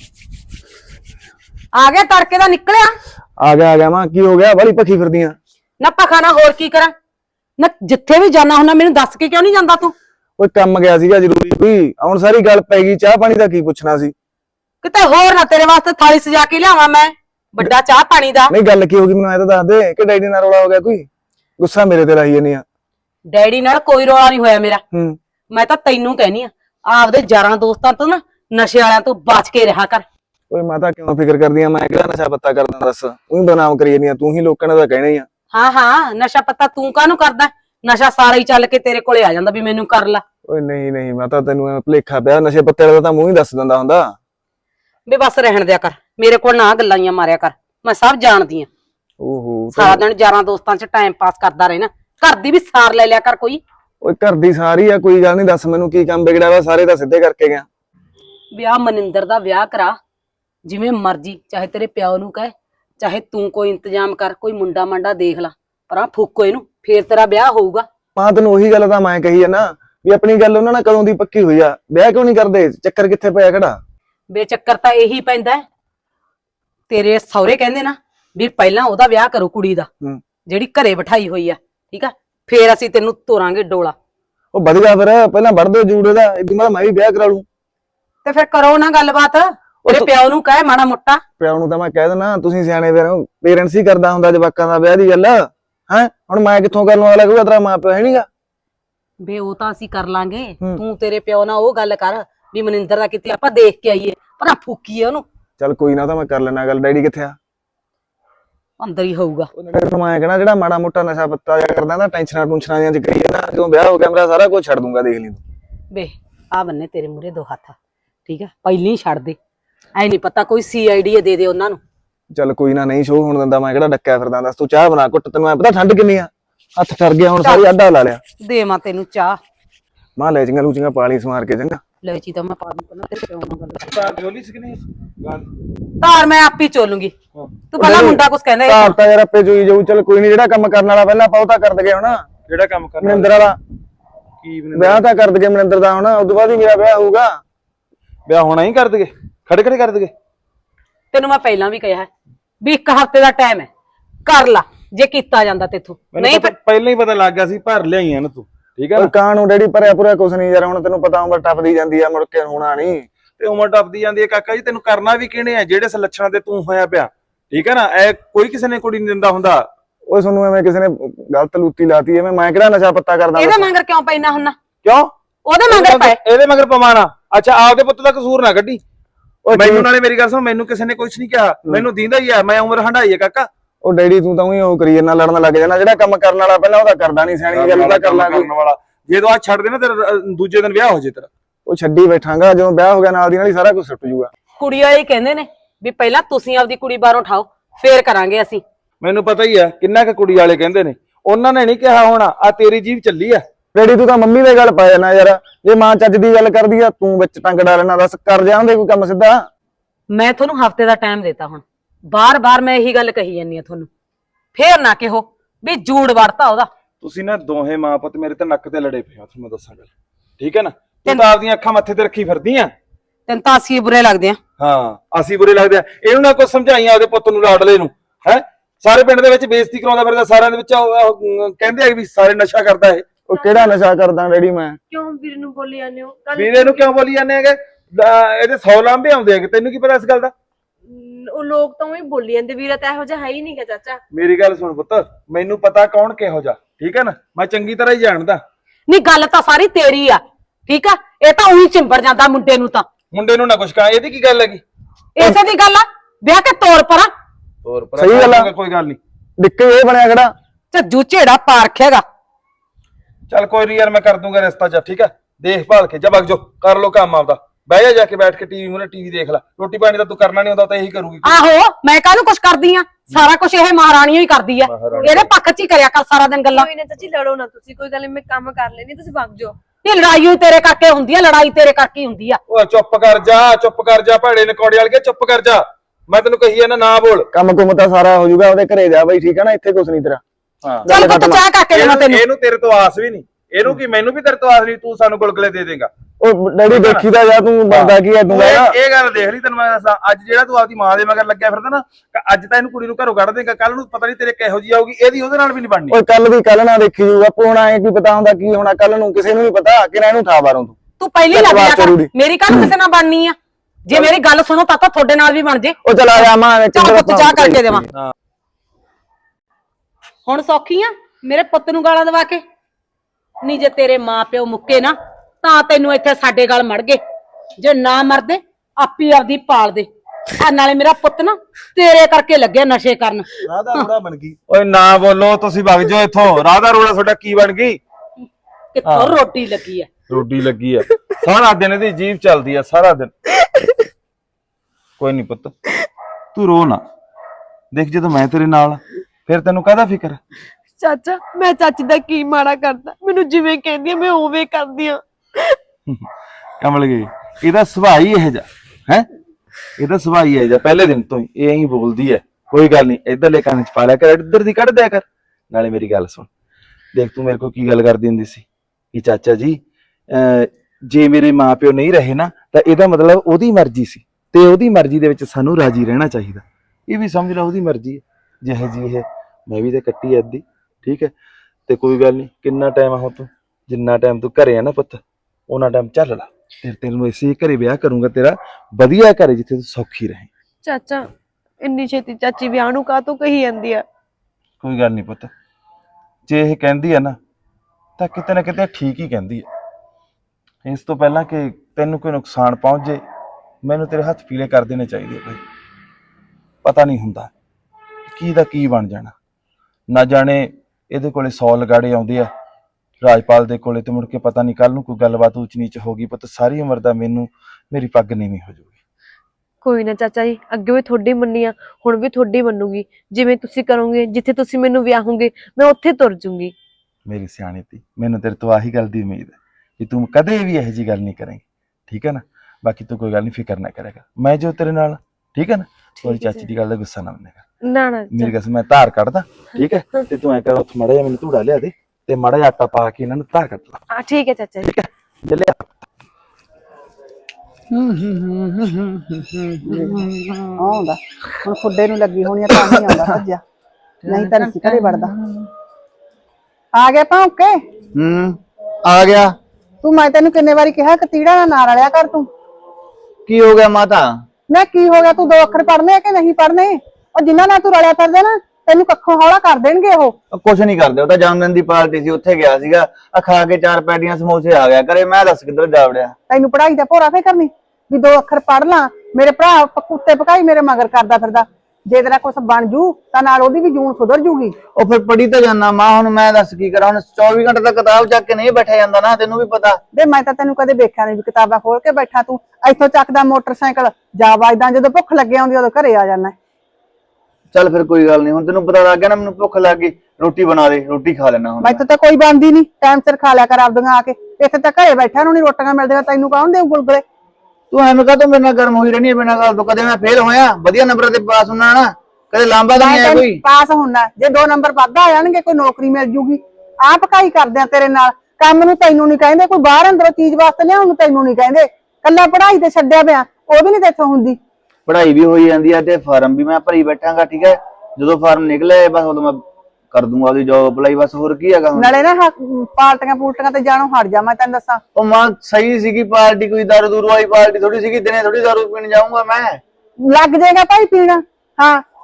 Speaker 3: ਆ ਗਿਆ ਤੜਕੇ ਦਾ ਨਿਕਲਿਆ
Speaker 6: ਆ ਗਿਆ ਆ ਗਿਆ ਮਾਂ, ਕੀ ਹੋ ਗਿਆ? ਬੜੀ ਭੱਖੀ ਫਿਰਦੀਆਂ।
Speaker 3: ਨਾ ਪਖਾਣਾ ਹੋਰ ਕੀ ਕਰਾਂ ਨਾ, ਜਿੱਥੇ ਵੀ ਜਾਣਾ ਹੁੰਦਾ ਮੈਨੂੰ ਦੱਸ ਕੇ ਕਿਉਂ ਨਹੀਂ ਜਾਂਦਾ ਤੂੰ?
Speaker 6: ਓਏ ਕੰਮ ਗਿਆ ਸੀਗਾ ਜ਼ਰੂਰੀ ਕੋਈ, ਹੁਣ ਸਾਰੀ ਗੱਲ ਪੈ ਗਈ। ਚਾਹ ਪਾਣੀ ਦਾ ਕੀ ਪੁੱਛਣਾ ਸੀ?
Speaker 3: ਕਿਤੇ ਹੋਰ ਨਾ ਤੇਰੇ ਵਾਸਤੇ ਥਾਲੀ ਸਜਾ ਕੇ ਲਿਆਵਾਂ ਮੈਂ ਵੱਡਾ ਚਾਹ ਪਾਣੀ ਦਾ।
Speaker 6: ਨਹੀਂ ਗੱਲ ਕੀ ਹੋ ਗਈ ਮੈਨੂੰ ਐ ਤਾਂ ਦੱਸ ਦੇ, ਕਿ ਡੈਡੀ ਨਾਲ ਰੌਲਾ ਹੋ ਗਿਆ ਕੋਈ? ਗੁੱਸਾ ਮੇਰੇ ਤੇ ਲਾਈ ਜਾਨੀ ਆ।
Speaker 3: ਡੈਡੀ ਨਾਲ ਕੋਈ ਰੌਲਾ ਨਹੀਂ ਹੋਇਆ ਮੇਰਾ।
Speaker 6: ਹੂੰ
Speaker 3: ਮੈਂ ਤਾਂ ਤੈਨੂੰ ਕਹਿਨੀ ਆ, ਆਪਦੇ ਯਾਰਾਂ ਦੋਸਤਾਂ ਤੋਂ ਨਾ ਨਸ਼ੇ ਵਾਲਿਆਂ ਤੋਂ ਬਚ ਕੇ ਰਿਹਾ ਕਰ।
Speaker 6: ਓਏ ਮਾਤਾ ਕਿਉਂ ਫਿਕਰ ਕਰਦੀ ਆ? ਮੈਂ ਕਿਹੜਾ ਨਸ਼ਾ ਪੱਤਾ ਕਰਦਾ ਦੱਸ? ਤੂੰ ਬਦਨਾਮ ਕਰੀ ਜਾਨੀ ਆ, ਤੂੰ ਹੀ ਲੋਕਾਂ ਨੇ ਤਾਂ ਕਹਿਣਾ ਹੀ ਆ।
Speaker 3: ਹਾਂ ਹਾਂ ਨਸ਼ਾ ਪੱਤਾ ਤੂੰ ਕਾਹਨੂੰ ਕਰਦਾ? ਨਸ਼ਾ ਸਾਰਾ ਹੀ ਚੱਲ ਕੇ ਤੇਰੇ ਕੋਲੇ ਆ ਜਾਂਦਾ ਵੀ ਮੈਨੂੰ ਕਰ ਲਾ।
Speaker 6: ਓਏ ਨਹੀਂ ਨਹੀਂ ਮਾਤਾ, ਤੈਨੂੰ ਐ ਭੁਲੇਖਾ ਪਿਆ। ਨਸ਼ੇ ਪੱਤੇ ਵਾਲਾ ਤਾਂ ਮੂੰਹ ਹੀ ਦੱਸ ਦਿੰਦਾ ਹੁੰਦਾ।
Speaker 3: ਵੀ ਬਸ ਰਹਿਣ ਦਿਆ ਕਰ, ਮੇਰੇ ਕੋਲ ਨਾ ਗੱਲਾਂ ਹੀ ਮਾਰਿਆ ਕਰ, ਮੈਂ ਸਭ ਜਾਣਦੀ ਆ।
Speaker 6: ਓਹੋ
Speaker 3: ਸਾਰਾ ਦਿਨ ਯਾਰਾਂ ਦੋਸਤਾਂ 'ਚ ਟਾਈਮ ਪਾਸ ਕਰਦਾ ਰਹਿਣਾ, ਘਰ ਦੀ ਵੀ ਸਾਰ ਲੈ ਲਿਆ ਕਰ ਕੋਈ।
Speaker 6: ਓਏ ਘਰ ਦੀ ਸਾਰੀ ਆ, ਕੋਈ ਗੱਲ ਨਹੀਂ। ਦੱਸ ਮੈਨੂੰ ਕੀ ਕੰਮ ਵਿਗੜਿਆ ਵਾ? ਸਾਰੇ ਤਾਂ ਸਿੱਧੇ ਕਰਕੇ ਗਿਆ।
Speaker 3: ਵਿਆਹ ਮਨਿੰਦਰ ਦਾ ਵਿਆਹ ਕਰਾ ਜਿਵੇਂ ਮਰਜੀ, ਚਾਹੇ ਤੇਰੇ ਪਿਓ ਨੂੰ ਕਹੇ, ਚਾਹੇ ਤੂੰ ਕੋਈ ਇੰਤਜ਼ਾਮ ਕਰ, ਕੋਈ ਮੁੰਡਾ ਮੰਡਾ ਦੇਖ ਲਾ, ਪਰ ਆ ਫੂਕੋ ਇਹਨੂੰ, ਫੇਰ ਤੇਰਾ ਵਿਆਹ ਹੋਊਗਾ।
Speaker 6: ਮਾਂ ਤੈਨੂੰ ਉਹੀ ਗੱਲ ਤਾਂ ਮੈਂ ਕਹੀ ਆ ਨਾ, ਵੀ ਆਪਣੀ ਗੱਲ ਉਹਨਾਂ ਨਾਲ ਕਦੋਂ ਦੀ ਪੱਕੀ ਹੋਈ ਆ। ਵਿਆਹ ਕਿਉਂ ਨਹੀਂ ਕਰਦੇ? ਚੱਕਰ ਕਿੱਥੇ ਪਿਆ ਖੜਾ?
Speaker 3: ਬੇਚੱਕਰ ਤਾਂ ਇਹੀ ਪੈਂਦਾ ਹੈ। ਤੇਰੇ ਸਹੁਰੇ ਕਹਿੰਦੇ ਨਾ ਵੀ ਪਹਿਲਾਂ ਉਹਦਾ ਵਿਆਹ ਕਰੋ ਕੁੜੀ ਦਾ,
Speaker 6: ਹੂੰ
Speaker 3: ਜਿਹੜੀ ਘਰੇ ਬਿਠਾਈ ਹੋਈ ਆ, ਠੀਕ ਆ, ਫੇਰ ਅਸੀਂ ਤੈਨੂੰ ਤੋਰਾਂਗੇ ਡੋਲਾ।
Speaker 6: ਉਹ ਵਧੀਆ, ਫਿਰ ਪਹਿਲਾਂ ਵੜ ਦਿਓ ਜੂੜੇ ਦਾ, ਇਦੋਂ ਬਾਅਦ ਮੈਂ ਵੀ ਵਿਆਹ ਕਰਾ ਲੂੰ।
Speaker 3: ਤੇ ਫਿਰ ਕਰੋ ਨਾ ਗੱਲਬਾਤ, ਤੇਰੇ ਪਿਓ ਨੂੰ ਕਹੇ ਮਾੜਾ ਮੋਟਾ।
Speaker 6: ਪਿਓ ਨੂੰ ਤਾਂ ਮੈਂ ਕਹਿ ਦੇਣਾ, ਤੁਸੀਂ ਸਿਆਣੇ ਹੋ, ਪੇਰੈਂਟਸ ਹੀ ਕਰਦਾ ਹੁੰਦਾ ਜਵਾਕਾਂ ਦਾ ਵਿਆਹ ਦੀ ਗੱਲ। ਹੈ ਹੁਣ ਮੈਂ ਕਿੱਥੋਂ ਕਰ ਲਵਾਂ? ਲੱਗੂਗਾ ਤੇਰਾ ਮਾਂ ਪਿਓ ਹੈ ਨਹੀਂਗਾ।
Speaker 3: ਵੇ ਉਹ ਤਾਂ ਅਸੀਂ ਕਰ ਲਾਂਗੇ,
Speaker 6: ਹੂੰ।
Speaker 3: ਤੂੰ ਤੇਰੇ ਪਿਓ ਨਾਲ ਉਹ ਗੱਲ ਕਰ ਵੀ ਮਨਿੰਦਰ ਦਾ ਕਿਤੇ ਆਪਾਂ ਦੇਖ ਕੇ ਆਈਏ, ਪਰ ਆ ਫੂਕੀਏ ਉਹਨੂੰ।
Speaker 6: ਚੱਲ ਕੋਈ ਨਾ, ਤਾਂ ਮੈਂ ਕਰ ਲੈਣਾ ਗੱਲ। ਡੈਡੀ ਕਿੱਥੇ ਆ?
Speaker 3: ਅੰਦਰ ਹੀ ਹੋਊਗਾ।
Speaker 6: ਉਹਨੇ ਮੈਂ ਕਹਿਣਾ ਜਿਹੜਾ ਮਾੜਾ ਮੋਟਾ ਨਸ਼ਾ ਪੱਤਾ ਜਿਹਾ ਕਰਦਾ ਨਾ, ਟੈਨਸ਼ਨਾਂ ਟੂਨਸ਼ਨਾਂ ਜਿਹੀਆਂ ਚ ਕਰੀ ਜਾਂਦਾ, ਜਦੋਂ ਵਿਆਹ ਹੋ ਗਿਆ ਮੇਰਾ ਸਾਰਾ ਕੁਝ ਛੱਡ ਦੂੰਗਾ, ਦੇਖ ਲਈ ਤੂੰ।
Speaker 3: ਵੇ ਆ ਬੰਨੇ ਤੇਰੇ ਮੂਰੇ ਦੋ ਹੱਥ, ਠੀਕ ਆ, ਪਹਿਲੀ ਹੀ ਛੱਡ ਦੇ। ਐ ਨਹੀਂ ਪਤਾ ਕੋਈ ਸੀ ਆਈ ਡੀ ਦੇ ਦੇ ਉਹਨਾਂ ਨੂੰ।
Speaker 6: ਚੱਲ ਕੋਈ ਨਾ, ਨਹੀਂ ਸ਼ੋਅ ਹੋਣ ਦਿੰਦਾ ਮੈਂ, ਕਿਹੜਾ ਡੱਕਿਆ ਫਿਰਦਾ। ਦੱਸ ਤੂੰ ਚਾਹ ਬਣਾ ਘੁੱਟ, ਤੈਨੂੰ ਐ ਪਤਾ ਠੰਡ ਕਿੰਨੀ ਆ? ਹੱਥ ਠਰ ਗਿਆ ਹੁਣ, ਸਾਰੀ ਆਡਾ ਲਾ ਲਿਆ।
Speaker 3: ਦੇਵਾਂ ਤੈਨੂੰ ਚਾਹ?
Speaker 6: ਮਾਂ ਲੈ ਚੰਗਾ ਲੂਚੀਆਂ ਪਾਲੀ ਸਮਾਰ ਕੇ ਚੰਗਾ।
Speaker 3: ਲੈ ਚੀ ਤਾਂ ਮੈਂ ਪਾ ਦੂੰ, ਪਹਿਲਾਂ ਤੇਰੇ ਪਿਓ ਨਾਲ ਗੱਲ ਕਰ।
Speaker 1: ਤਾਂ ਜੋਲੀ ਸਕਨੇ ਗੱਲ
Speaker 3: ਧਾਰ ਮੈਂ ਆਪ ਹੀ ਚੋਲੂੰਗੀ, ਤੂੰ ਪਹਿਲਾਂ ਮੁੰਡਾ ਕੁਛ ਕਹਿੰਦਾ
Speaker 6: ਘਰ ਤਾਂ ਯਾਰ ਆਪੇ ਜੋਈ ਜਾਊ। ਚੱਲ ਕੋਈ ਨਹੀਂ, ਜਿਹੜਾ ਕੰਮ ਕਰਨ ਵਾਲਾ ਪਹਿਲਾਂ ਆਪਾਂ ਉਹ ਤਾਂ ਕਰ ਦਗੇ ਹੁਣ।
Speaker 1: ਜਿਹੜਾ ਕੰਮ ਕਰਨਾ
Speaker 6: ਮਨਿੰਦਰ ਵਾਲਾ
Speaker 1: ਕੀ
Speaker 6: ਵਿਆਹ ਤਾਂ ਕਰ ਦਗੇ ਮਨਿੰਦਰ ਦਾ ਹੁਣ, ਉਦੋਂ ਬਾਅਦ ਹੀ ਮੇਰਾ ਵਿਆਹ ਹੋਊਗਾ।
Speaker 1: ਵਿਆਹ ਹੋਣਾ ਹੀ ਕਰ ਦਗੇ, ਖੜੇ ਖੜੇ ਕਰ ਦਗੇ।
Speaker 3: ਤੈਨੂੰ ਮੈਂ ਪਹਿਲਾਂ ਵੀ ਕਿਹਾ ਵੀ ਇੱਕ ਹਫ਼ਤੇ ਦਾ ਟਾਈਮ ਹੈ, ਕਰ ਲਾ ਜੇ ਕੀਤਾ ਜਾਂਦਾ ਤੇਥੋਂ।
Speaker 1: ਨਹੀਂ ਪਹਿਲਾਂ ਹੀ ਪਤਾ ਲੱਗ ਗਿਆ ਸੀ, ਭਰ ਲਿਆਈਆਂ ਨਾ ਤੂੰ, ਠੀਕ ਹੈ
Speaker 6: ਉਹ
Speaker 1: ਨਾ।
Speaker 6: ਕਾਂ ਨੂੰ ਡੈਡੀ ਭਰਿਆ ਪੂਰਾ ਕੁਛ ਨਹੀਂ ਯਾਰ, ਹੁਣ ਤੈਨੂੰ ਪਤਾ ਉਮਰ ਟੱਪਦੀ ਜਾਂਦੀ ਆ, ਮੁੜ ਕੇ ਹੋਣਾ ਨਹੀਂ।
Speaker 1: ਤੇ ਉਮਰ ਟੱਪਦੀ ਜਾਂਦੀ ਹੈ ਕਾਕਾ ਜੀ, ਤੈਨੂੰ ਕਰਨਾ ਵੀ ਕਿਹਨੇ ਆ? ਜਿਹੜੇ ਲੱਛਣਾਂ ਤੇ ਤੂੰ ਹੋਇਆ ਪਿਆ, ਠੀਕ ਹੈ ਨਾ। ਇਹ ਕੋਈ ਕਿਸੇ ਨੇ ਕੁੜੀ ਨਹੀਂ ਦਿੰਦਾ ਹੁੰਦਾ।
Speaker 6: ਉਹ ਤੁਹਾਨੂੰ ਐਵੇਂ ਕਿਸੇ ਨੇ ਗਲਤ ਲੂਤੀ ਲਾਤੀ ਐਵੇਂ, ਮੈਂ ਕਿਹੜਾ ਨਸ਼ਾ ਪੱਤਾ ਕਰਦਾ?
Speaker 3: ਇਹਦੇ ਮਗਰ ਕਿਉਂ ਪੈਣਾ ਹੁੰਨਾ?
Speaker 1: ਕਿਉਂ?
Speaker 3: ਉਹਦੇ ਮਗਰ ਪੈ।
Speaker 1: ਇਹਦੇ ਮਗਰ ਪਵਾਣਾ? ਅੱਛਾ, ਆਪਦੇ ਪੁੱਤ ਦਾ ਕਸੂਰ ਨਾ ਕੱਢੀ। ਮੈਨੂੰ ਨਾਲੇ ਮੇਰੀ ਗੱਲ ਸੁਣ, ਮੈਨੂੰ ਕਿਸੇ ਨੇ ਕੁਝ ਨਹੀਂ ਕਿਹਾ, ਮੈਨੂੰ ਦੀਂਦਾ ਹੀ ਆ, ਮੈਂ ਉਮਰ ਹੰਡਾਈ ਹੈ ਕਾਕਾ।
Speaker 6: ਉਹ ਡੈਡੀ ਤੂੰ ਤਾਂ ਉਹੀ ਉਹ ਕਰੀ ਜਾਂਦਾ, ਲੜਨ ਲੱਗ ਜਾਣਾ। ਜਿਹੜਾ ਕੰਮ ਕਰਨ ਵਾਲਾ ਪਹਿਲਾਂ ਉਹਦਾ ਕਰਦਾ ਨਹੀਂ, ਸਿਆਣੀ ਗੱਲ ਤਾਂ ਕਰ ਲਾ ਕੋਈ।
Speaker 1: ਵਾਲਾ ਜੇ ਤੂੰ ਆ ਛੱਡ ਦੇ ਨਾ, ਤੇਰਾ ਦੂਜੇ ਦਿਨ ਵਿਆਹ ਹੋ ਜੇ ਤੇਰਾ।
Speaker 6: ਉਹ ਛੱਡੀ ਬੈਠਾਂਗਾ, ਜਦੋਂ ਵਿਆਹ ਹੋ ਗਿਆ ਨਾਲ ਦੀ ਨਾਲ ਹੀ ਸਾਰਾ ਕੁਝ ਸੁੱਟ ਜੂਗਾ।
Speaker 3: ਕੁੜੀ ਵਾਲੇ ਕਹਿੰਦੇ ਨੇ ਵੀ ਪਹਿਲਾਂ ਤੁਸੀਂ ਆਪਦੀ ਕੁੜੀ ਬਾਹਰੋਂ ਉਠਾਓ, ਫੇਰ ਕਰਾਂਗੇ ਅਸੀਂ।
Speaker 1: ਮੈਨੂੰ ਪਤਾ ਹੀ ਆ ਕਿੰਨਾ ਕੁ ਕੁੜੀ ਵਾਲੇ ਕਹਿੰਦੇ ਨੇ, ਉਹਨਾਂ ਨੇ ਨਹੀਂ ਕਿਹਾ ਹੋਣਾ, ਆ ਤੇਰੀ ਜੀਭ ਚੱਲੀ ਆ।
Speaker 6: ਡੈਡੀ ਤੂੰ ਤਾਂ ਮੰਮੀ ਦੇ ਗੱਲ ਪਾ ਜਾਣਾ ਯਾਰ, ਜੇ ਮਾਂ ਚੱਜ ਦੀ ਗੱਲ ਕਰਦੀ ਆ ਤੂੰ ਵਿੱਚ ਟੰਗ ਡਾਲਣਾ। ਦੱਸ ਕਰ ਜਾਂਦੇ ਕੋਈ ਕੰਮ ਸਿੱਧਾ।
Speaker 3: ਮੈਂ ਤੁਹਾਨੂੰ ਹਫ਼ਤੇ ਦਾ ਟਾਈਮ ਦਿੱਤਾ, ਹੁਣ ਬਾਰ-ਬਾਰ ਮੈਂ ਇਹੀ ਗੱਲ ਕਹੀ ਜਾਂਦੀ ਆ ਤੁਹਾਨੂੰ, ਫੇਰ ਨਾ ਕਿਹੋ ਵੀ ਜੂੜ ਵੜਤਾ ਉਹਦਾ।
Speaker 1: ਤੁਸੀਂ ਨਾ ਦੋਹੇ ਮਾਂ ਪੁੱਤ ਮੇਰੇ ਤੇ ਨੱਕ ਤੇ ਲੜੇ ਪਏ ਹੋ, ਤੁਹਾਨੂੰ ਮੈਂ ਦੱਸਾਂ ਗੱਲ, ਠੀਕ ਹੈ ਨਾ। ਤੂੰ ਤਾਂ ਆਪਦੀਆਂ ਅੱਖਾਂ ਮੱਥੇ ਤੇ ਰੱਖੀ ਫਿਰਦੀ ਆ।
Speaker 3: ਤੈਨੂੰ ਤਾਂ ਅਸੀਂ ਬੁਰੇ ਲੱਗਦੇ ਆ।
Speaker 1: ਹਾਂ ਅਸੀਂ ਬੁਰੇ ਲੱਗਦੇ ਆ। ਇਹਨੂੰ ਨਾ ਕੁਝ ਸਮਝਾਈਆਂ ਉਹਦੇ ਪੁੱਤ ਨੂੰ, ਲਾਡਲੇ ਨੂੰ। ਹੈ ਸਾਰੇ ਪਿੰਡ ਦੇ ਵਿੱਚ ਬੇਇੱਜ਼ਤੀ ਕਰਾਉਂਦਾ ਫਿਰਦਾ, ਸਾਰਿਆਂ ਦੇ ਵਿੱਚ ਕਹਿੰਦੇ ਆ ਵੀ ਸਾਰੇ ਨਸ਼ਾ ਕਰਦਾ ਇਹ।
Speaker 6: ਉਹ ਕਿਹੜਾ ਨਸ਼ਾ ਕਰਦਾ ਡੈਡੀ ਮੈਂ?
Speaker 2: ਕਿਉਂ ਵੀਰ ਨੂੰ ਬੋਲੀ ਜਾਂਦੇ ਹੋ?
Speaker 1: ਵੀਰੇ ਨੂੰ ਕਿਉਂ ਬੋਲੀ ਜਾਂਦੇ ਹੈਗੇ? ਇਹਦੇ ਸੌ ਲਾਂਭੇ ਆਉਂਦੇ ਹੈਗੇ, ਤੈਨੂੰ ਕੀ ਪਤਾ ਇਸ ਗੱਲ ਦਾ?
Speaker 2: ਉਹ ਲੋਕ ਤਾਂ ਉਹੀ ਬੋਲੀ ਜਾਂਦੇ, ਵੀਰਾ ਤਾਂ ਇਹੋ ਜਿਹਾ ਹੈ ਹੀ ਨਹੀਂ ਗਾ ਚਾਚਾ।
Speaker 1: ਮੇਰੀ ਗੱਲ ਸੁਣ ਪੁੱਤ, ਮੈਨੂੰ ਪਤਾ ਕੌਣ ਕਿਹੋ ਜਿਹਾ, ਠੀਕ ਹੈ ਨਾ, ਮੈਂ ਚੰਗੀ ਤਰ੍ਹਾਂ ਹੀ ਜਾਣਦਾ।
Speaker 3: ਨਹੀਂ ਗੱਲ ਤਾਂ ਸਾਰੀ ਤੇਰੀ ਆ, ਠੀਕ ਆ। ਇਹ ਤਾਂ ਉਹੀ ਚਿੰਬੜ ਜਾਂਦਾ ਮੁੰਡੇ ਨੂੰ, ਤਾਂ
Speaker 1: ਮੁੰਡੇ ਨੂੰ ਨਾ ਕੁਛ ਕਹਾਂ, ਇਹਦੀ ਕੀ ਗੱਲ ਹੈਗੀ?
Speaker 3: ਇਸੇ ਦੀ ਗੱਲ ਆ, ਵਿਆਹ ਕੇ ਤੋੜ ਪਰਾਂ।
Speaker 1: ਹੋਰ ਪਰ
Speaker 6: ਸਹੀ ਗੱਲ ਆ।
Speaker 1: ਕੋਈ ਗੱਲ ਨਹੀਂ,
Speaker 6: ਡਿੱਕੇ ਇਹ ਬਣਿਆ ਕਿਹੜਾ।
Speaker 3: ਝੱਜੂ ਝੇੜਾ ਪਾ ਰੱਖੇਗਾ।
Speaker 1: ਚੱਲ ਕੋਈ ਨਹੀਂ ਯਾਰ, ਮੈਂ ਕਰ ਦੂੰਗਾ ਰਿਸ਼ਤਾ ਜਾ, ਠੀਕ ਹੈ। ਦੇਖਭਾਲ ਕੇ ਜਬ ਜੋ ਕਰ ਲੋ ਕੰਮ ਆਪਦਾ, ਬਹਿ ਜਾ ਜਾ ਕੇ ਬੈਠ ਕੇ ਟੀਵੀ ਮੂਹਰੇ ਟੀਵੀ ਦੇਖ ਲੈ। ਰੋਟੀ ਪਾਣੀ ਤਾਂ ਤੂੰ ਕਰਨਾ ਨਹੀਂ ਹੁੰਦਾ, ਤਾਂ ਇਹੀ ਕਰੂਗੀ।
Speaker 3: ਆਹੋ, ਮੈਂ ਕਾਹਨੂੰ ਕੁਛ ਕਰਦੀ ਆ? ਸਾਰਾ ਕੁਝ ਇਹ ਮਹਾਰਾਣੀਓ ਹੀ ਕਰਦੀ ਆ।
Speaker 1: ਮਹਾਰਾਣੀ।
Speaker 3: ਇਹਦੇ ਪੱਖ 'ਚ ਹੀ ਕਰਿਆ ਕਰ ਸਾਰਾ ਦਿਨ ਗੱਲਾਂ।
Speaker 2: ਕੋਈ ਨਾ ਚਾਚੀ, ਲੜੋ ਨਾ ਤੁਸੀਂ, ਕੋਈ ਗੱਲ ਨਹੀਂ, ਮੈਂ ਕੰਮ ਕਰ ਲੈਣੀ, ਤੁਸੀਂ ਵਗ ਜਾਓ।
Speaker 3: ਇਹ ਲੜਾਈ ਹੋਈ ਤੇਰੇ ਕਰਕੇ ਹੁੰਦੀ ਆ, ਲੜਾਈ ਤੇਰੇ ਕਰਕੇ ਹੀ ਹੁੰਦੀ ਆ।
Speaker 1: ਓਏ ਚੁੱਪ ਕਰ ਜਾ, ਚੁੱਪ ਕਰ ਜਾ, ਭੜੇ ਨਕੌੜੇ ਵਾਲ ਕੇ ਚੁੱਪ ਕਰ ਜਾ। ਮੈਂ ਤੈਨੂੰ ਕਹੀ ਆ ਨਾ, ਨਾ ਬੋਲ।
Speaker 6: ਕੰਮ ਕੁਮ ਤਾਂ ਸਾਰਾ ਹੋ ਜਾਊਗਾ, ਉਹਦੇ ਘਰੇ ਜਾ ਬਈ, ਠੀਕ ਹੈ ਨਾ, ਇੱਥੇ ਕੁਛ ਨਹੀਂ ਤੇਰਾ।
Speaker 1: ਹਾਂ
Speaker 3: ਚੱਲ ਪੁੱਤ ਚਾਹ ਕਰਕੇ ਦੇਣਾ
Speaker 1: ਇਹਨੂੰ
Speaker 3: ਤੈਨੂੰ।
Speaker 1: ਇਹਨੂੰ ਤੇਰੇ ਤੋਂ ਆਸ ਵੀ ਨਹੀਂ, ਇਹਨੂੰ ਕੀ ਮੈਨੂੰ ਵੀ ਤੇਰੇ ਤੋਂ ਆਸ ਨਹੀਂ, ਤੂੰ ਸਾਨੂੰ ਗੁਲਗੁਲੇ ਦੇ ਦੇਗਾ।
Speaker 6: ਉਹ ਡੈਡੀ ਦੇਖੀ ਤਾਂ ਜਾ, ਤੂੰ ਬੰਦਾ ਕੀ ਹੈ ਤੂੰ
Speaker 1: ਇਹ
Speaker 6: ਨਾ।
Speaker 1: ਇਹ ਗੱਲ ਦੇਖ ਲਈ, ਤੈਨੂੰ ਮੈਂ ਦੱਸਾਂ, ਅੱਜ ਜਿਹੜਾ ਤੂੰ ਆਪਦੀ ਮਾਂ ਦੇ ਮਗਰ ਲੱਗਿਆ ਫਿਰਦਾ ਨਾ, ਅੱਜ ਤਾਂ ਇਹਨੂੰ ਕੁੜੀ ਨੂੰ ਘਰੋਂ ਕੱਢ ਦੇਗਾ, ਕੱਲ ਨੂੰ ਪਤਾ ਨਹੀਂ ਤੇਰੇ ਕਿਹੋ ਜਿਹੀ ਆਊਗੀ, ਇਹਦੀ ਉਹਦੇ ਨਾਲ ਵੀ ਨਹੀਂ ਬਣਨੀ।
Speaker 6: ਓਏ ਕੱਲ ਦੀ ਕੱਲ ਨਾ ਦੇਖੀ ਜੂਗਾ, ਪੋਣਾ ਐ ਕੀ ਪਤਾ ਹੁੰਦਾ ਕੀ ਹੋਣਾ ਕੱਲ ਨੂੰ, ਕਿਸੇ ਨੂੰ ਨਹੀਂ ਪਤਾ ਕਿ ਨਾ ਇਹਨੂੰ ਠਾ ਬਾਰੋਂ ਤੂੰ।
Speaker 3: ਤੂੰ ਪਹਿਲੀ ਲੱਗ ਜਾ ਕਰ,
Speaker 6: ਜ਼ਰੂਰੀ।
Speaker 3: ਮੇਰੀ ਕੱਲ ਕਿਸੇ ਨਾਲ ਬਣਨੀ ਆ। ਜੇ ਮੇਰੀ ਗੱਲ ਸੁਣੋ ਤਾਂ ਤਾਂ ਤੁਹਾਡੇ ਨਾਲ ਵੀ ਬਣ ਜੇ।
Speaker 6: ਉਹ ਚਲਾ ਜਾ ਮਾਂ,
Speaker 3: ਚੱਲ ਪੁੱਤ ਚਾਹ ਕਰਕੇ ਦੇਵਾਂ।
Speaker 1: ਹਾਂ
Speaker 3: ਹੁਣ ਸੌਖੀ ਆ ਮੇਰੇ ਪੁੱਤ ਨੂੰ ਗਾਲਾਂ ਦਵਾ ਕੇ? ਨਹੀਂ ਜੇ ਤੇਰੇ ਮਾਂ ਪਿਓ ਮੁੱਕੇ ਨਾ, ਤਾਂ ਤੈਨੂੰ ਇੱਥੇ ਸਾਡੇ ਗਲ ਮੜ ਗਏ। ਜੇ ਨਾ ਮਰਦੇ ਆਪੀ ਆਪਦੀ ਪਾਲ ਦੇ। ਆ ਨਾਲੇ ਮੇਰਾ ਪੁੱਤ ਨਾ ਤੇਰੇ ਕਰਕੇ ਲੱਗਿਆ ਨਸ਼ੇ ਕਰਨ।
Speaker 1: ਰਾਧਾ ਰੋੜਾ ਬਣ ਗਈ। ਓਏ ਨਾ ਬੋਲੋ, ਤੁਸੀਂ ਵਗ ਜਾਓ ਇੱਥੋਂ। ਰਾਧਾ ਰੋੜਾ ਤੁਹਾਡਾ ਕੀ ਬਣ ਗਈ?
Speaker 3: ਕਿੱਥੋਂ ਰੋਟੀ ਲੱਗੀ ਆ?
Speaker 1: ਰੋਟੀ ਲੱਗੀ ਆ, ਸਾਰਾ ਦਿਨ ਇਹਦੀ ਜੀਭ ਚੱਲਦੀ ਆ, ਸਾਰਾ ਦਿਨ। ਕੋਈ ਨਹੀਂ ਪੁੱਤ, ਤੂੰ ਰੋ ਨਾ। ਦੇਖ ਜਦੋਂ ਮੈਂ ਤੇਰੇ ਨਾਲ, ਫਿਰ ਤੈਨੂੰ ਕਾਹਦਾ ਫਿਕਰ?
Speaker 2: ਚਾਚਾ, ਮੈਂ ਚਾਚੀ ਦਾ ਕੀ ਮਾੜਾ ਕਰਦਾ? ਮੈਨੂੰ ਜਿਵੇਂ ਕਹਿੰਦੀ ਆ ਮੈਂ ਉਵੇਂ ਕਰਦੀ ਆ।
Speaker 1: ਕਮਲ ਗਈ, ਇਹਦਾ ਸੁਭਾਅ ਹੀ ਇਹ ਜਾ ਹੈ, ਇਹਦਾ ਸੁਭਾਅ ਹੀ ਇਹ ਜਾ ਪਹਿਲੇ ਦਿਨ ਤੋਂ ਹੀ ਇਹ ਐਂ ਬੋਲਦੀ ਹੈ। ਕੋਈ ਗੱਲ ਨਹੀਂ, ਇੱਧਰਲੇ ਕੰਨ ਚ ਪਾ ਲਿਆ ਕਰ, ਇੱਧਰ ਦੀ ਕੱਢ ਦਿਆ ਕਰ। ਨਾਲੇ ਮੇਰੀ ਗੱਲ ਸੁਣ, ਦੇਖ ਤੂੰ ਮੇਰੇ ਕੋਲ ਕੀ ਗੱਲ ਕਰਦੀ ਹੁੰਦੀ ਸੀ ਕਿ ਚਾਚਾ ਜੀ ਅਹ ਜੇ ਮੇਰੇ ਮਾਪਿਓ ਨਹੀਂ ਰਹੇ ਨਾ, ਤਾਂ ਇਹਦਾ ਮਤਲਬ ਉਹਦੀ ਮਰਜ਼ੀ ਸੀ, ਤੇ ਉਹਦੀ ਮਰਜ਼ੀ ਦੇ ਵਿੱਚ ਸਾਨੂੰ ਰਾਜੀ ਰਹਿਣਾ ਚਾਹੀਦਾ। ਇਹ ਵੀ ਸਮਝ ਲਾ ਉਹਦੀ ਮਰਜ਼ੀ ਹੈ, ਜਿਹੇ ਜੀ ਇਹ ਮੈਂ ਵੀ ਤੇ ਕੱਟੀ ਅੱਧੀ, ਠੀਕ ਹੈ। ਤੇ ਕੋਈ ਗੱਲ ਨਹੀਂ, ਕਿੰਨਾ ਟਾਈਮ ਆ ਹੁਣ ਤੂੰ, ਜਿੰਨਾ ਟਾਈਮ ਤੂੰ ਘਰੇ ਆ ਨਾ ਪੁੱਤ, ਉਹਨਾਂ ਟਾਈਮ ਚੱਲ ਲਾ। ਫਿਰ ਤੈਨੂੰ ਇਸੇ ਘਰੇ ਵਿਆਹ ਕਰੂੰਗਾ, ਤੇਰਾ ਵਧੀਆ ਘਰੇ ਜਿੱਥੇ ਤੂੰ ਸੌਖੀ ਰਹੇ।
Speaker 2: ਚਾਚਾ, ਇੰਨੀ ਛੇਤੀ ਚਾਚੀ ਵਿਆਹ ਨੂੰ ਕਾਹਤੋਂ ਕਹੀ ਜਾਂਦੀ ਆ?
Speaker 1: ਕੋਈ ਗੱਲ ਨਹੀਂ ਪੁੱਤ, ਜੇ ਇਹ ਕਹਿੰਦੀ ਆ ਨਾ, ਤਾਂ ਕਿਤੇ ਨਾ ਕਿਤੇ ਠੀਕ ਹੀ ਕਹਿੰਦੀ ਹੈ। ਇਸ ਤੋਂ ਪਹਿਲਾਂ ਕਿ ਤੈਨੂੰ ਕੋਈ ਨੁਕਸਾਨ ਪਹੁੰਚ ਜੇ, ਮੈਨੂੰ ਤੇਰੇ ਹੱਥ ਪੀਲੇ ਕਰ ਦੇਣੇ ਚਾਹੀਦੇ ਭਾਈ। ਪਤਾ ਨਹੀਂ ਹੁੰਦਾ ਕੀ ਦਾ ਕੀ ਬਣ ਜਾਣਾ, ਨਾ ਜਾਣੇ ਇਹਦੇ ਕੋਲੇ ਸੌ ਲਗਾੜੇ ਆਉਂਦੇ ਆ ਰਾਜਪਾਲ ਦੇ ਕੋਲੇ, ਤੇ ਮੁੜ ਕੇ ਪਤਾ ਨਹੀਂ ਕੱਲ ਨੂੰ ਕੋਈ ਗੱਲਬਾਤ ਉੱਚ ਨੀਚ ਹੋ ਗਈ, ਪੁੱਤ ਸਾਰੀ ਉਮਰ ਦਾ ਮੈਨੂੰ ਮੇਰੀ ਪੱਗ ਨੀਵੀਂ ਹੋ ਜਾਊਗੀ।
Speaker 2: ਕੋਈ ਨਾ ਚਾਚਾ ਜੀ, ਅੱਗੇ ਵੀ ਤੁਹਾਡੀ ਮੰਨੀ ਆ, ਹੁਣ ਵੀ ਤੁਹਾਡੀ ਮੰਨੂਗੀ। ਜਿਵੇਂ ਤੁਸੀਂ ਕਰੋਗੇ, ਜਿੱਥੇ ਤੁਸੀਂ ਮੈਨੂੰ ਵਿਆਹੋਗੇ, ਮੈਂ ਉੱਥੇ ਤੁਰ ਜੂੰਗੀ।
Speaker 1: ਮੇਰੀ ਸਿਆਣੀ ਤੀ, ਮੈਨੂੰ ਤੇਰੇ ਤੋਂ ਆਹੀ ਗੱਲ ਦੀ ਉਮੀਦ ਹੈ ਕਿ ਤੂੰ ਕਦੇ ਵੀ ਇਹੋ ਜਿਹੀ ਗੱਲ ਨਹੀਂ ਕਰੇਂਗੀ, ਠੀਕ ਹੈ ਨਾ। ਬਾਕੀ ਤੂੰ ਕੋਈ ਗੱਲ ਨਹੀਂ ਫਿਕਰ ਨਾ ਕਰੇਗਾ, ਮੈਂ ਜੋ ਤੇਰੇ ਨਾਲ, ਠੀਕ ਹੈ ਨਾ। ਤੁਹਾਡੀ ਚਾਚੀ ਦੀ ਗੱਲ ਦਾ ਗੁੱਸਾ ਨਾ ਮੰਨੇਗਾ।
Speaker 2: ਨਾ ਨਾ
Speaker 1: ਮੇਰੀ ਗੱਲ ਮੈਂ ਧਾਰ ਕੱਢਦਾ, ਠੀਕ ਹੈ। ਤੇ ਤੂੰ ਐ ਕਰ, ਉੱਥੇ ਮਾੜਾ ਜਿਹਾ ਮੈਨੂੰ ਧੂੜਾ ਲਿਆ ਦੇ, ਤੇ ਮਾੜਾ ਜਿਹਾ ਆਟਾ ਪਾ ਕੇ ਇਹਨਾਂ ਨੂੰ ਧਾਰ ਕੱਢ ਲਾ।
Speaker 2: ਆ ਠੀਕ ਹੈ ਚਾਚਾ ਜੀ।
Speaker 1: ਠੀਕ ਹੈ, ਚੱਲਿਆ।
Speaker 4: ਆਉਂਦਾ ਹੁਣ ਖੁੱਡੇ ਨੂੰ ਲੱਗੀ ਹੋਣੀ ਆ, ਤਾਂ ਨਹੀਂ ਆਉਂਦਾ ਭੱਜਿਆ, ਨਹੀਂ ਤਾਂ ਨਹੀਂ ਘਰੇ ਵੜਦਾ। ਆ ਗਿਆ ਭੌਂਕੇ?
Speaker 6: ਹੂੰ ਆ ਗਿਆ।
Speaker 4: ਤੂੰ ਮੈਂ ਤੈਨੂੰ ਕਿੰਨੇ ਵਾਰੀ ਕਿਹਾ ਕਤੀੜਾ ਨਾ ਨਾ ਰਲਿਆ ਕਰ ਤੂੰ।
Speaker 6: ਕੀ ਹੋ ਗਿਆ ਮਾਤਾ?
Speaker 4: ਮੈਂ ਕੀ ਹੋ ਗਿਆ, ਤੂੰ ਦੋ ਅੱਖਰ ਪੜਨੇ ਆ ਕਿ ਨਹੀਂ ਪੜਨੇ? ਉਹ ਜਿੰਨਾ ਨਾਲ ਤੂੰ ਰਲਿਆ ਕਰਦੇ ਨਾ, ਤੈਨੂੰ ਕੱਖੋਂ ਹੌਲਾ ਕਰ ਦੇਣਗੇ ਉਹ।
Speaker 6: ਕੁਛ ਨਹੀਂ ਕਰਦੇ, ਉਹ ਤਾਂ ਜਨਮਦਿਨ ਦੀ ਪਾਰਟੀ ਸੀ, ਉੱਥੇ ਗਿਆ ਸੀਗਾ, ਆ ਖਾ ਕੇ ਚਾਰ ਪੈਟੀਆਂ ਸਮੋਸੇ ਆ ਗਿਆ ਘਰੇ। ਮੈਂ ਦੱਸ ਕਿੱਧਰ ਜਾ ਵੜਿਆ।
Speaker 4: ਤੈਨੂੰ ਪੜਾਈ ਦਾ ਭੋਰਾ ਫੇ ਕਰਨੀ ਵੀ ਦੋ ਅੱਖਰ ਪੜ ਲਾਂ? ਮੇਰੇ ਭਰਾ ਕੁੱਤੇ ਪਕਾਈ ਮੇਰੇ ਮਗਰ ਕਰਦਾ ਫਿਰਦਾ। ਜੇ ਤੇਰਾ ਕੁਛ ਬਣ ਜੂ ਤਾਂ ਨਾਲ ਉਹਦੀ ਵੀ ਜੂਨ ਸੁਧਰ ਜੂਗੀ।
Speaker 6: ਉਹ ਫਿਰ ਪੜੀ ਤਾਂ ਜਾਨਾ ਮਾਂ, ਹੁਣ ਮੈਂ ਦੱਸ ਕੀ ਕਰਾਂ। ਹੁਣ ਚੌਵੀ ਘੰਟੇ ਤਾਂ ਕਿਤਾਬ ਚੱਕ ਕੇ ਨਹੀਂ ਬੈਠਿਆ ਜਾਂਦਾ ਨਾ, ਤੈਨੂੰ ਵੀ ਪਤਾ।
Speaker 4: ਵੇ ਮੈਂ ਤਾਂ ਤੈਨੂੰ ਕਦੇ ਵੇਖਿਆ ਨਹੀਂ ਵੀ ਕਿਤਾਬਾਂ ਖੋਲ ਕੇ ਬੈਠਾ ਤੂੰ। ਇੱਥੋਂ ਚੱਕਦਾ ਮੋਟਰਸਾਈਕਲ, ਜਾ ਵੱਜਦਾ, ਜਦੋਂ ਭੁੱਖ ਲੱਗੇ ਆਉਂਦੀ ਉਦੋਂ ਘਰੇ ਆ ਜਾਣਾ।
Speaker 6: ਚੱਲ ਫਿਰ ਕੋਈ ਗੱਲ ਨਹੀਂ, ਹੁਣ ਤੈਨੂੰ ਪਤਾ ਲੱਗ ਗਿਆ ਨਾ ਮੈਨੂੰ ਭੁੱਖ ਲੱਗ ਗਈ, ਰੋਟੀ ਬਣਾ ਦੇ, ਰੋਟੀ ਖਾ ਲੈਣਾ ਹੁਣ।
Speaker 4: ਮੈਥੋਂ ਤਾਂ ਕੋਈ ਬਣਦੀ ਨਹੀਂ, ਟਾਈਮ ਸਿਰ ਖਾ ਲਿਆ ਕਰ ਆਪਦੀਆਂ ਆ ਕੇ। ਇੱਥੇ ਤਾਂ ਘਰੇ ਬੈਠਾ ਨੂੰ ਨਹੀਂ ਰੋਟੀਆਂ ਮਿਲਦੀਆਂ, ਤੈਨੂੰ ਕੌਣ ਦੇਊ ਗੁਲਗੁਲੇ?
Speaker 6: ਤੂੰ ਐਵੇਂ ਕਾ ਤੂੰ ਮੇਰੇ ਨਾਲ ਗਰਮ ਹੋਈ ਰਹਿਣੀ ਹੈ ਬਿਨਾਂ ਗੱਲ ਤੋਂ? ਕਦੇ ਮੈਂ ਫੇਲ ਹੋਇਆ? ਵਧੀਆ ਨੰਬਰਾਂ ਤੇ ਪਾਸ ਹੁੰਨਾ ਨਾ, ਕਦੇ ਲਾਂਬਾ ਤਾਂ ਨਹੀਂ ਆਇਆ ਕੋਈ।
Speaker 4: ਪਾਸ ਹੁੰਨਾ, ਜੇ ਦੋ ਨੰਬਰ ਵੱਧ ਆ ਜਾਣਗੇ ਕੋਈ ਨੌਕਰੀ ਮਿਲ ਜੂਗੀ। ਆਹ ਪਕਾਈ ਕਰਦੇ ਆ ਤੇਰੇ ਨਾਲ, ਕੰਮ ਨੂੰ ਤੈਨੂੰ ਨਹੀਂ ਕਹਿੰਦੇ, ਕੋਈ ਬਾਹਰ ਅੰਦਰੋਂ ਚੀਜ਼ ਵਾਸਤੇ ਲਿਆਉਣ ਨੂੰ ਤੈਨੂੰ ਨਹੀਂ ਕਹਿੰਦੇ। ਕੱਲਾ ਪੜ੍ਹਾਈ ਤੇ ਛੱਡਿਆ ਪਿਆ, ਉਹ ਵੀ ਨਹੀਂ ਤੇਥੋਂ ਹੁੰਦੀ।
Speaker 6: ਪੜ੍ਹਾਈ ਵੀ ਹੋਈ ਜਾਂਦੀ ਹੈ ਤੇ ਫਾਰਮ ਵੀ ਮੈਂ ਭਰੀ ਬੈਠਾਂਗਾ, ਠੀਕ ਹੈ। ਜਦੋਂ ਫਾਰਮ ਨਿਕਲੇ ਬਸ ਉਦੋਂ ਮੈਂ ਕਰ ਦੂੰਗਾ ਉਹਦੀ ਜੋਬ ਅਪਲਾਈ, ਬਸ ਹੋਰ ਕੀ ਹੈਗਾ ਹੁਣ।
Speaker 4: ਨਾਲੇ ਨਾ ਆਹ ਪਾਰਟੀਆਂ ਪੂਰਟੀਆਂ ਤੇ ਜਾਣੋਂ ਹਟ ਜਾ, ਮੈਂ ਤੈਨੂੰ ਦੱਸਾਂ।
Speaker 6: ਉਹ ਮਾਂ ਸਹੀ ਸੀਗੀ ਪਾਰਟੀ, ਕੋਈ ਦਾਰੂ ਦੂਰੂ ਵਾਲੀ ਪਾਰਟੀ ਥੋੜੀ ਸੀਗੀ, ਦਿਨੇ ਥੋੜੀ ਦਾਰੂ ਪੀਣ ਜਾਊਂਗਾ ਮੈਂ।
Speaker 4: ਲੱਗ ਜਾਏਗਾ ਭਾਈ ਪੀਣਾ, ਹਾਂ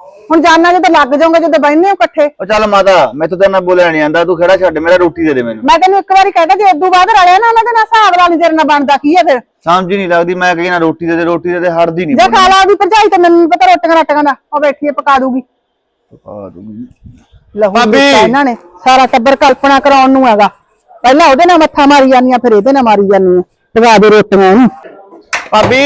Speaker 4: ਹੁਣ ਜਾਨਾ ਜਦੋਂ ਲੱਗ ਜਾਓਗੇ ਜਦੋਂ ਬੈਠਨੇ ਹੋ ਇਕੱਠੇ।
Speaker 7: ਉਹ ਚੱਲ ਮਾਤਾ ਮੈਥੋਂ ਤਾਂ ਨਾ ਬੋਲਿਆ ਨਹੀਂ ਆਂਦਾ, ਤੂੰ ਖੜਾ ਛੱਡ, ਮੇਰਾ ਰੋਟੀ ਦੇ ਦੇ ਮੈਨੂੰ।
Speaker 4: ਮੈਂ ਤੈਨੂੰ ਇੱਕ ਵਾਰੀ ਕਹਿਤਾ ਜੇ ਇਦੋਂ ਬਾਅਦ ਰਲਿਆ ਨਾ ਉਹਨਾਂ ਦੇ ਨਾਲ ਹਿਸਾਬ ਲਾ ਲਈ, ਤੇਰੇ ਨਾਲ ਬਣਦਾ ਕੀ ਹੈ ਫਿਰ।
Speaker 7: ਸਮਝ ਹੀ ਨਹੀਂ ਲੱਗਦੀ, ਮੈਂ ਕਹੀ ਨਾ ਰੋਟੀ ਦੇ ਦੇ ਰੋਟੀ ਦੇ ਦੇ, ਹਟਦੀ ਨਹੀਂ।
Speaker 4: ਜੇ ਖਾ ਲਾ ਉਹਦੀ ਭਰਜਾਈ ਤੇ ਮੈਨੂੰ ਨੀ ਪਤਾ ਰੋਟੀਆਂ ਰਾਟੀਆਂ ਦਾ, ਉਹ ਬੈਠੀ ਹੈ ਪਕਾ ਦੂਗੀ।
Speaker 7: ਪਕਾ ਦੂੰਗੀ।
Speaker 4: ਲਹੂ
Speaker 7: ਭਾਬੀ।
Speaker 4: ਦਿੱਤਾ ਇਹਨਾਂ ਨੇ ਸਾਰਾ ਟੱਬਰ ਕਲਪਨਾ ਕਰਾਉਣ ਨੂੰ ਹੈਗਾ, ਪਹਿਲਾਂ ਉਹਦੇ ਨਾਲ ਮੱਥਾ ਮਾਰੀ ਜਾਂਦੀਆਂ ਫਿਰ ਇਹਦੇ ਨਾਲ ਮਾਰੀ ਜਾਂਦੀਆਂ। ਪਕਾ ਦੇ ਰੋਟੀਆਂ ਉਹਨੂੰ।
Speaker 7: ਭਾਬੀ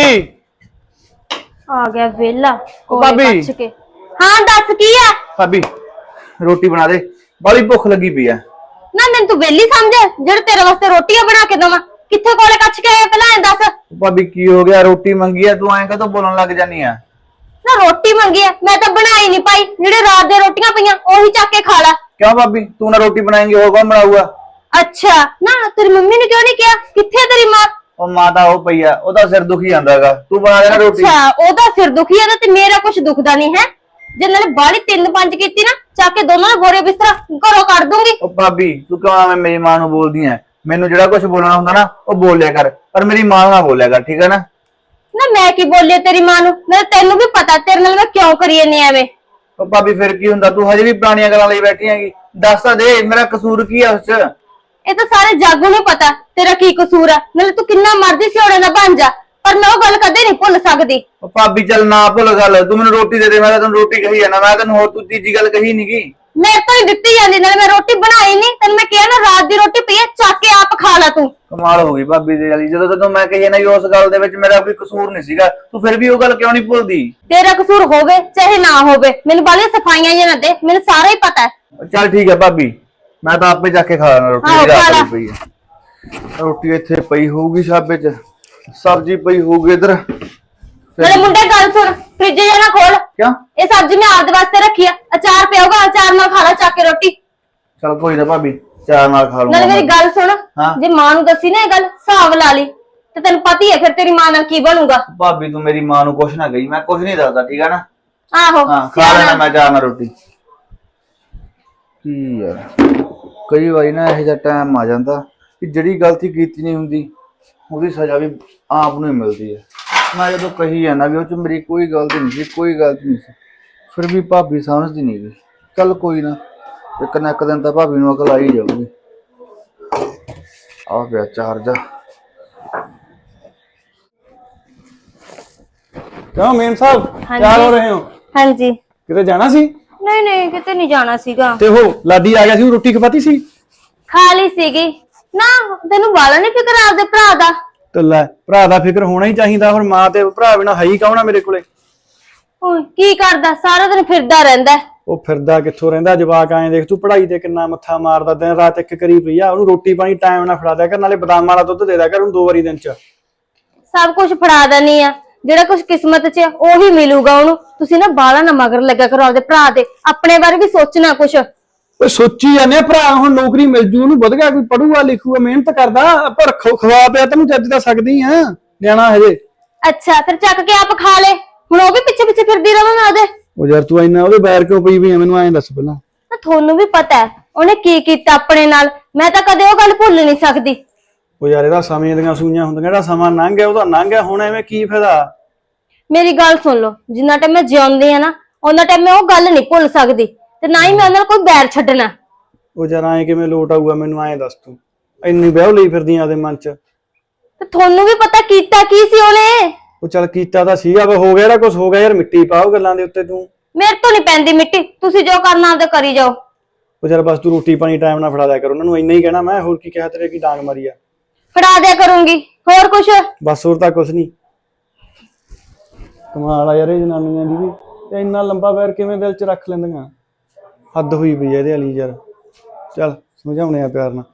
Speaker 5: ਆ ਗਿਆ ਵੇਲਾ
Speaker 7: ਭਾਬੀ।
Speaker 5: ਕੋਲੇ ਕੱਛ ਕੇ। ਹਾਂ ਦੱਸ ਕੀ ਆ?
Speaker 7: ਭਾਬੀ ਰੋਟੀ ਬਣਾ ਦੇ, ਬੜੀ ਭੁੱਖ ਲੱਗੀ ਪਈ ਆ।
Speaker 5: ਨਾ ਮੈਨੂੰ ਤੂੰ ਵੇਲੀ ਸਮਝਿਆ ਜਿਹੜੇ ਤੇਰੇ ਵਾਸਤੇ ਰੋਟੀਆਂ ਬਣਾ ਕੇ ਦਵਾਂ? ਕਿੱਥੇ ਕੋਲੇ ਕੱਛ ਕੇ ਆਇਆ ਪਹਿਲਾਂ ਇਹ ਦੱਸ।
Speaker 7: ਭਾਬੀ ਕੀ ਹੋ ਗਿਆ, ਰੋਟੀ ਮੰਗੀ ਆ, ਤੂੰ ਐਂ ਕਦੋਂ ਬੋਲਣ ਲੱਗ ਜਾਨੀ ਆ?
Speaker 5: ਨਾ ਰੋਟੀ ਮੰਗੀ ਆ, ਮੈਂ ਤਾਂ ਬਣਾਈ ਨਹੀਂ ਪਾਈ, ਜਿਹੜੇ ਰਾਤ ਦੀਆਂ ਰੋਟੀਆਂ ਪਈਆਂ ਉਹੀ ਚੱਕ ਕੇ ਖਾ ਲਾ।
Speaker 7: ਕਿਉਂ ਭਾਬੀ, ਤੂੰ ਨਾ ਰੋਟੀ ਬਣਾਏਂਗੀ ਹੋਰ ਕੌਣ ਬਣਾਊਗਾ?
Speaker 5: ਅੱਛਾ ਨਾ ਤੇਰੀ ਮੰਮੀ ਨੇ ਕਿਉਂ ਨਹੀਂ ਕਿਹਾ? ਕਿੱਥੇ ਤੇਰੀ ਮਾਂ?
Speaker 7: ਉਹ ਮਾਤਾ ਉਹ ਪਈ ਆ, ਉਹਦਾ ਸਿਰ ਦੁਖੀ ਜਾਂਦਾਗਾ, ਤੂੰ ਬਣਾ ਦੇਣਾ ਰੋਟੀ।
Speaker 5: ਅੱਛਾ ਉਹਦਾ ਸਿਰ ਦੁਖੀ ਆ ਤੇ ਮੇਰਾ ਕੁਝ ਦੁਖਦਾ ਨਹੀਂ ਹੈ। ਜੇ ਨਾਲੇ ਬਾਲੀ ਤਿੰਨ ਪੰਜ ਕੀਤੀ ਨਾ, ਚੱਕ ਕੇ ਦੋਨਾਂ ਨੇ ਬੋਰੇ ਬਿਸਤਰਾ ਘਰੋਂ ਕੱਢ ਦੂੰਗੀ।
Speaker 7: ਉਹ ਭਾਬੀ ਤੂੰ ਕਿਉਂ ਐਵੇਂ ਮੇਰੀ ਮਾਂ ਨੂੰ ਬੋਲਦੀ ਐ? ਮੈਨੂੰ ਜਿਹੜਾ ਕੁਝ ਬੋਲਣਾ ਹੁੰਦਾ ਨਾ ਉਹ ਬੋਲ ਲਿਆ ਕਰ, ਪਰ ਮੇਰੀ ਮਾਂ ਨੂੰ ਨਾ ਬੋਲਿਆ ਕਰ, ਠੀਕ ਹੈ ਨਾ?
Speaker 5: ਨਾ ਮੈਂ ਕੀ ਬੋਲਿਆ ਤੇਰੀ ਮਾਂ ਨੂੰ? ਨਾਲੇ ਤੈਨੂੰ ਵੀ ਪਤਾ ਤੇਰੇ ਨਾਲ ਮੈਂ ਕਿਉਂ ਕਰੀ ਜਾਂਦੀ ਐਵੇਂ।
Speaker 7: ਉਹ ਭਾਬੀ ਫਿਰ ਕੀ ਹੁੰਦਾ, ਤੂੰ ਹਜੇ ਵੀ ਪੁਰਾਣੀਆਂ ਗੱਲਾਂ ਲਈ ਬੈਠੀ ਹੈਗੀ। ਦੱਸ ਤਾਂ ਦੇ ਮੇਰਾ ਕਸੂਰ ਕੀ ਆ ਉਸ ਚ?
Speaker 5: ਇਹ ਤਾਂ ਸਾਰੇ ਜੱਗ ਨੂੰ ਪਤਾ ਤੇਰਾ ਕੀ ਕਸੂਰ ਆ। ਨਾਲੇ ਤੂੰ ਕਿੰਨਾ ਮਰਜ਼ੀ ਸਿਉਣੇ ਦਾ ਬਣ ਜਾ, ਪਰ ਮੈਂ ਉਹ ਗੱਲ ਕਦੇ ਨਹੀਂ ਭੁੱਲ ਸਕਦੀ।
Speaker 7: ਉਹ ਭਾਬੀ ਚੱਲ ਨਾ ਭੁੱਲ ਗੱਲ, ਤੂੰ ਮੈਨੂੰ ਰੋਟੀ ਦੇ ਦੇ, ਮੈਂ ਤਾਂ ਤੈਨੂੰ ਰੋਟੀ ਕਹੀ ਆ ਨਾ, ਮੈਂ ਤੈਨੂੰ ਹੋਰ ਤੂੰ ਤੀਜੀ ਗੱਲ ਕਹੀ ਨੀਗੀ।
Speaker 5: ਮੇਰੇ ਤੋਂ ਹੀ ਦਿੱਤੀ ਜਾਂਦੀ, ਨਾਲੇ ਮੈਂ ਰੋਟੀ ਬਣਾਈ ਨਹੀਂ। ਤੈਨੂੰ ਮੈਂ ਕਿਹਾ ਨਾ ਰਾਤ ਦੀ ਰੋਟੀ ਪਈ ਆ, ਚੱਕ ਕੇ ਆਪ ਖਾ ਲੈ ਤੂੰ।
Speaker 7: ਕਮਾਲ ਹੋ ਗਈ ਭਾਬੀ ਦੇ ਵਾਲੀ, ਜਦੋਂ ਤੈਨੂੰ ਮੈਂ ਕਹੀ ਨਾ ਵੀ ਉਸ ਗੱਲ ਦੇ ਵਿੱਚ ਮੇਰਾ ਕੋਈ ਕਸੂਰ ਨਹੀਂ ਸੀਗਾ, ਤੂੰ ਫਿਰ ਵੀ ਉਹ ਗੱਲ ਕਿਉਂ ਨਹੀਂ ਭੁੱਲਦੀ?
Speaker 5: ਤੇਰਾ ਕਸੂਰ ਹੋਵੇ ਚਾਹੇ ਨਾ ਹੋਵੇ, ਮੈਨੂੰ ਬਾਲੀਆਂ ਸਫਾਈਆਂ ਜਾਂ ਨਾ ਦੇ, ਮੈਨੂੰ ਸਾਰਾ ਹੀ ਪਤਾ ਹੈ।
Speaker 7: ਚੱਲ ਠੀਕ ਹੈ ਭਾਬੀ, ਮੈਂ ਤਾਂ ਆਪੇ ਜਾ ਕੇ ਖਾ ਲੈਣਾ ਰੋਟੀ,
Speaker 5: ਆਹੋ,
Speaker 7: ਜਿਹੜੀ
Speaker 5: ਖਾ
Speaker 7: ਰਾਤ
Speaker 5: ਲਾ।
Speaker 7: ਦੀ ਪਈ ਹੈ। ਰੋਟੀ ਇੱਥੇ ਪਈ ਹੋਊਗੀ ਛਾਬੇ ਚ, ਸਬਜ਼ੀ ਪਈ ਹੋਊਗੀ ਇਧਰ।
Speaker 5: ਨਾਲੇ ਮੁੰਡੇ ਗੱਲ ਸੁਣ, ਫ੍ਰਿਜ ਜਾਂ ਨਾ ਖੋਲ।
Speaker 7: ਕਿਉਂ?
Speaker 5: ਇਹ ਸਬਜ਼ੀ ਮੈਂ ਆਪਦੇ ਵਾਸਤੇ ਰੱਖੀ ਆ, ਅਚਾਰ ਪਿਆ ਹੋਗਾ, ਅਚਾਰ ਨਾਲ ਖਾ ਲੈ ਚੱਕ ਕੇ ਰੋਟੀ।
Speaker 7: ਚੱਲ ਕੋਈ ਨਾ ਭਾਬੀ, ਚਾਰ ਨਾਲ ਖਾ ਲੂੰਗਾ।
Speaker 5: ਨਾਲੇ ਮੇਰੀ ਗੱਲ ਸੁਣ,
Speaker 7: ਹਾਂ।
Speaker 5: ਜੇ ਮਾਂ ਨੂੰ ਦੱਸੀ ਨਾ ਇਹ ਗੱਲ, ਹਿਸਾਬ ਲਾ ਲਈ, ਤੇ ਤੈਨੂੰ ਪਤਾ ਹੀ ਹੈ ਫਿਰ ਤੇਰੀ ਮਾਂ ਨਾਲ ਕੀ ਬਣੂਗਾ।
Speaker 7: ਭਾਬੀ ਤੂੰ ਮੇਰੀ ਮਾਂ ਨੂੰ ਕੁਛ ਨਾ ਕਹੀ, ਮੈਂ ਕੁਛ ਨਹੀਂ ਦੱਸਦਾ, ਠੀਕ ਹੈ ਨਾ?
Speaker 5: ਆਹੋ
Speaker 7: ਹਾਂ ਖਾ ਲੈਣਾ ਮੈਂ ਚਾਰ ਨਾਲ ਰੋਟੀ। ਕੀ ਯਾਰ, ਕਈ ਵਾਰੀ ਨਾ ਇਹੋ ਜਿਹਾ ਟਾਈਮ ਆ ਜਾਂਦਾ ਕਿ ਜਿਹੜੀ ਗਲਤੀ ਕੀਤੀ ਨਹੀਂ ਹੁੰਦੀ ਉਹਦੀ ਸਜ਼ਾ ਵੀ ਆਪ ਨੂੰ ਹੀ ਮਿਲਦੀ ਹੈ। ਮੈਂ ਜਦੋਂ ਕਹੀ ਜਾਂਦਾ ਵੀ ਉਹ ਚ ਮੇਰੀ ਕੋਈ ਗਲਤੀ ਨਹੀਂ ਸੀ, ਕੋਈ ਗਲਤੀ ਨਹੀਂ ਸੀ, ਫਿਰ ਵੀ ਭਾਬੀ ਸਮਝਦੀ ਨਹੀਂ ਗਈ। ਚੱਲ ਕੋਈ ਨਾ, ਇੱਕ ਨਾ ਇੱਕ ਦਿਨ ਤਾਂ ਭਾਬੀ ਨੂੰ ਅਕਲ ਆ ਹੀ ਜਾਊਗੀ। ਆ ਗਿਆ ਚਾਰਜ।
Speaker 6: ਕਿਉਂ ਮੇਮ ਸਾਹਿਬ, ਤਿਆਰ ਹੋ ਰਹੇ ਹੋ?
Speaker 5: ਹਾਂਜੀ।
Speaker 6: ਕਿਤੇ ਜਾਣਾ ਸੀ?
Speaker 5: ਨਹੀਂ ਨਹੀਂ ਕਿਤੇ ਨਹੀਂ ਜਾਣਾ ਸੀਗਾ।
Speaker 6: ਤੇ ਉਹ ਲਾਡੀ ਆ ਗਿਆ ਸੀ, ਉਹ ਰੋਟੀ ਖਵਾਤੀ ਸੀ?
Speaker 5: ਖਾ ਲਈ ਸੀਗੀ ਨਾ। ਤੈਨੂੰ ਬਾਲਾ ਨਹੀਂ ਫਿਕਰ ਆਪਦੇ ਭਰਾ ਦਾ?
Speaker 6: ਤੇ ਲੈ, ਭਰਾ ਦਾ ਫਿਕਰ ਹੋਣਾ ਹੀ ਚਾਹੀਦਾ, ਹੁਣ ਮਾਂ ਤੇ ਭਰਾ ਬਿਨਾ ਹੈ ਹੀ ਕੌਣ ਆ ਮੇਰੇ ਕੋਲੇ?
Speaker 5: ਓਏ ਕੀ ਕਰਦਾ, ਸਾਰਾ ਦਿਨ ਫਿਰਦਾ ਰਹਿੰਦਾ।
Speaker 6: ਉਹ ਫਿਰਦਾ ਕਿੱਥੋਂ ਰਹਿੰਦਾ, ਜਵਾਕ ਆਏ ਦੇਖ ਤੂੰ, ਪੜ੍ਹਾਈ ਤੇ ਕਿੰਨਾ ਮੱਥਾ ਮਾਰਦਾ, ਦਿਨ ਰਾਤ ਇੱਕ ਕਰੀ ਪਈ ਆ। ਉਹਨੂੰ ਰੋਟੀ ਪਾਣੀ ਟਾਈਮ ਨਾਲ ਫੜਾ ਦਿਆ ਕਰ, ਨਾਲੇ ਬਦਾਮਾਂ ਵਾਲਾ ਦੁੱਧ ਦੇ ਦਿਆ ਕਰ ਉਹਨੂੰ ਦੋ ਵਾਰੀ ਦਿਨ ਚ।
Speaker 5: ਸਭ ਕੁਝ ਫੜਾ ਦੇਣੀ ਆ, ਜਿਹੜਾ ਕੁਝ ਕਿਸਮਤ 'ਚ ਆ ਉਹੀ ਮਿਲੂਗਾ ਉਹਨੂੰ। ਤੁਸੀਂ ਨਾ ਬਾਲਾ ਨਾ ਮਗਰ ਲੱਗਾ ਕਰੋ ਆਪਦੇ ਭਰਾ ਦੇ, ਆਪਣੇ ਬਾਰੇ ਵੀ ਸੋਚਣਾ ਕੁਛ।
Speaker 6: ਓਏ ਸੋਚੀ ਜਾਂਦੇ ਆ, ਭਰਾ ਹੁਣ ਨੌਕਰੀ ਮਿਲ ਜੂ ਉਹਨੂੰ, ਵਧ ਗਿਆ, ਕੋਈ ਪੜੂਗਾ ਲਿਖੂਗਾ, ਮਿਹਨਤ ਕਰਦਾ, ਪਰ ਖਵਾ ਪਿਆ ਤੈਨੂੰ ਚੱਜ ਤਾਂ ਸਕਦੀ ਆ, ਨਿਆਣਾ ਹਜੇ।
Speaker 5: ਅੱਛਾ ਫਿਰ ਚੱਕ ਕੇ ਆਪ ਖਾ ਲੈ, ਹੁਣ ਉਹ ਵੀ ਪਿੱਛੇ ਪਿੱਛੇ ਫਿਰਦੀ ਰਵਾਂ ਮੈਂ ਉਹਦੇ।
Speaker 6: ਉਹ ਯਾਰ ਤੂੰ ਇੰਨਾ ਉਹਦੇ ਬੈਰ ਕਿਉਂ ਪਈ ਵੀ ਆ, ਮੈਨੂੰ ਐਂ ਦੱਸ ਪਹਿਲਾਂ।
Speaker 5: ਤਾਂ ਤੁਹਾਨੂੰ ਵੀ ਪਤਾ ਹੈ ਉਹਨੇ ਕੀ ਕੀਤਾ ਆਪਣੇ ਨਾਲ, ਮੈਂ ਤਾਂ ਕਦੇ ਉਹ ਗੱਲ ਭੁੱਲ ਨਹੀਂ ਸਕਦੀ।
Speaker 6: ਉਹ ਯਾਰ ਇਹਦਾ ਸਮੇਂ ਦੀਆਂ ਸੂਈਆਂ ਹੁੰਦੀਆਂ, ਜਿਹੜਾ ਸਮਾਂ ਲੰਘ ਗਿਆ ਉਹਦਾ ਲੰਘ ਗਿਆ, ਹੁਣ ਐਵੇਂ ਕੀ ਫਾਇਦਾ?
Speaker 5: ਮੇਰੀ ਗੱਲ ਸੁਣ ਲਓ, ਜਿੰਨਾ ਟਾਈਮ ਮੈਂ ਜਿਉਂਦੀ ਆ ਨਾ, ਉਹਨਾਂ ਟਾਈਮ ਮੈਂ ਉਹ ਗੱਲ ਨਹੀਂ ਭੁੱਲ ਸਕਦੀ, ਤੇ ਨਾ ਹੀ ਮੈਂ ਉਹਨਾਂ ਨਾਲ ਕੋਈ ਬੈਰ ਛੱਡਣਾ।
Speaker 6: ਉਹ ਯਾਰ ਐਂ ਕਿਵੇਂ ਲੋਟ ਆਊਗਾ, ਮੈਨੂੰ ਐਂ ਦੱਸ ਤੂੰ, ਇੰਨੀ ਵਿਆਹ ਲਈ ਫਿਰਦੀ ਆ ਉਹਦੇ ਮਨ ਚ।
Speaker 5: ਤੇ ਤੁਹਾਨੂੰ ਵੀ ਪਤਾ ਕੀਤਾ ਕੀ ਸੀ ਉਹਨੇ।
Speaker 6: ਉਹ ਚੱਲ ਕੀਤਾ ਤਾਂ ਸੀਗਾ, ਵਾ ਹੋ ਗਿਆ ਜਿਹੜਾ ਕੁਝ ਹੋ ਗਿਆ ਯਾਰ, ਮਿੱਟੀ ਪਾਓ ਗੱਲਾਂ ਦੇ ਉੱਤੇ ਤੂੰ।
Speaker 5: ਮੇਰੇ ਤੋਂ ਨਹੀਂ ਪੈਂਦੀ ਮਿੱਟੀ, ਤੁਸੀਂ ਜੋ ਕਰਨਾ ਆਪਦਾ ਕਰੀ ਜਾਓ।
Speaker 6: ਉਹ ਚੱਲ ਬਸ ਤੂੰ ਰੋਟੀ ਪਾਣੀ ਟਾਈਮ ਨਾਲ ਫੜਾ ਦਿਆ ਕਰ ਉਹਨਾਂ ਨੂੰ, ਇੰਨਾ ਹੀ ਕਹਿਣਾ ਮੈਂ, ਹੋਰ ਕੀ ਕਿਹਾ ਤੇਰੇ, ਕੀ ਡਾਂਗ ਮਾਰੀ ਆ?
Speaker 5: ਫੜਾ ਦਿਆ ਕਰੂੰਗੀ, ਹੋਰ ਕੁਛ?
Speaker 6: ਬਸ ਹੋਰ ਤਾਂ ਕੁਛ ਨਹੀਂ। ਕਮਾਲ ਆ ਯਾਰ ਇਹ ਜਨਾਨੀਆਂ ਦੀ ਵੀ, ਤੇ ਇੰਨਾ ਲੰਬਾ ਪੈਰ ਕਿਵੇਂ ਦਿਲ 'ਚ ਰੱਖ ਲੈਂਦੀਆਂ, ਹੱਦ ਹੋਈ ਪਈ ਆ ਇਹਦੇ ਵਾਲੀ ਯਾਰ। ਚੱਲ ਸਮਝਾਉਣੇ ਆ ਪਿਆਰ ਨਾਲ।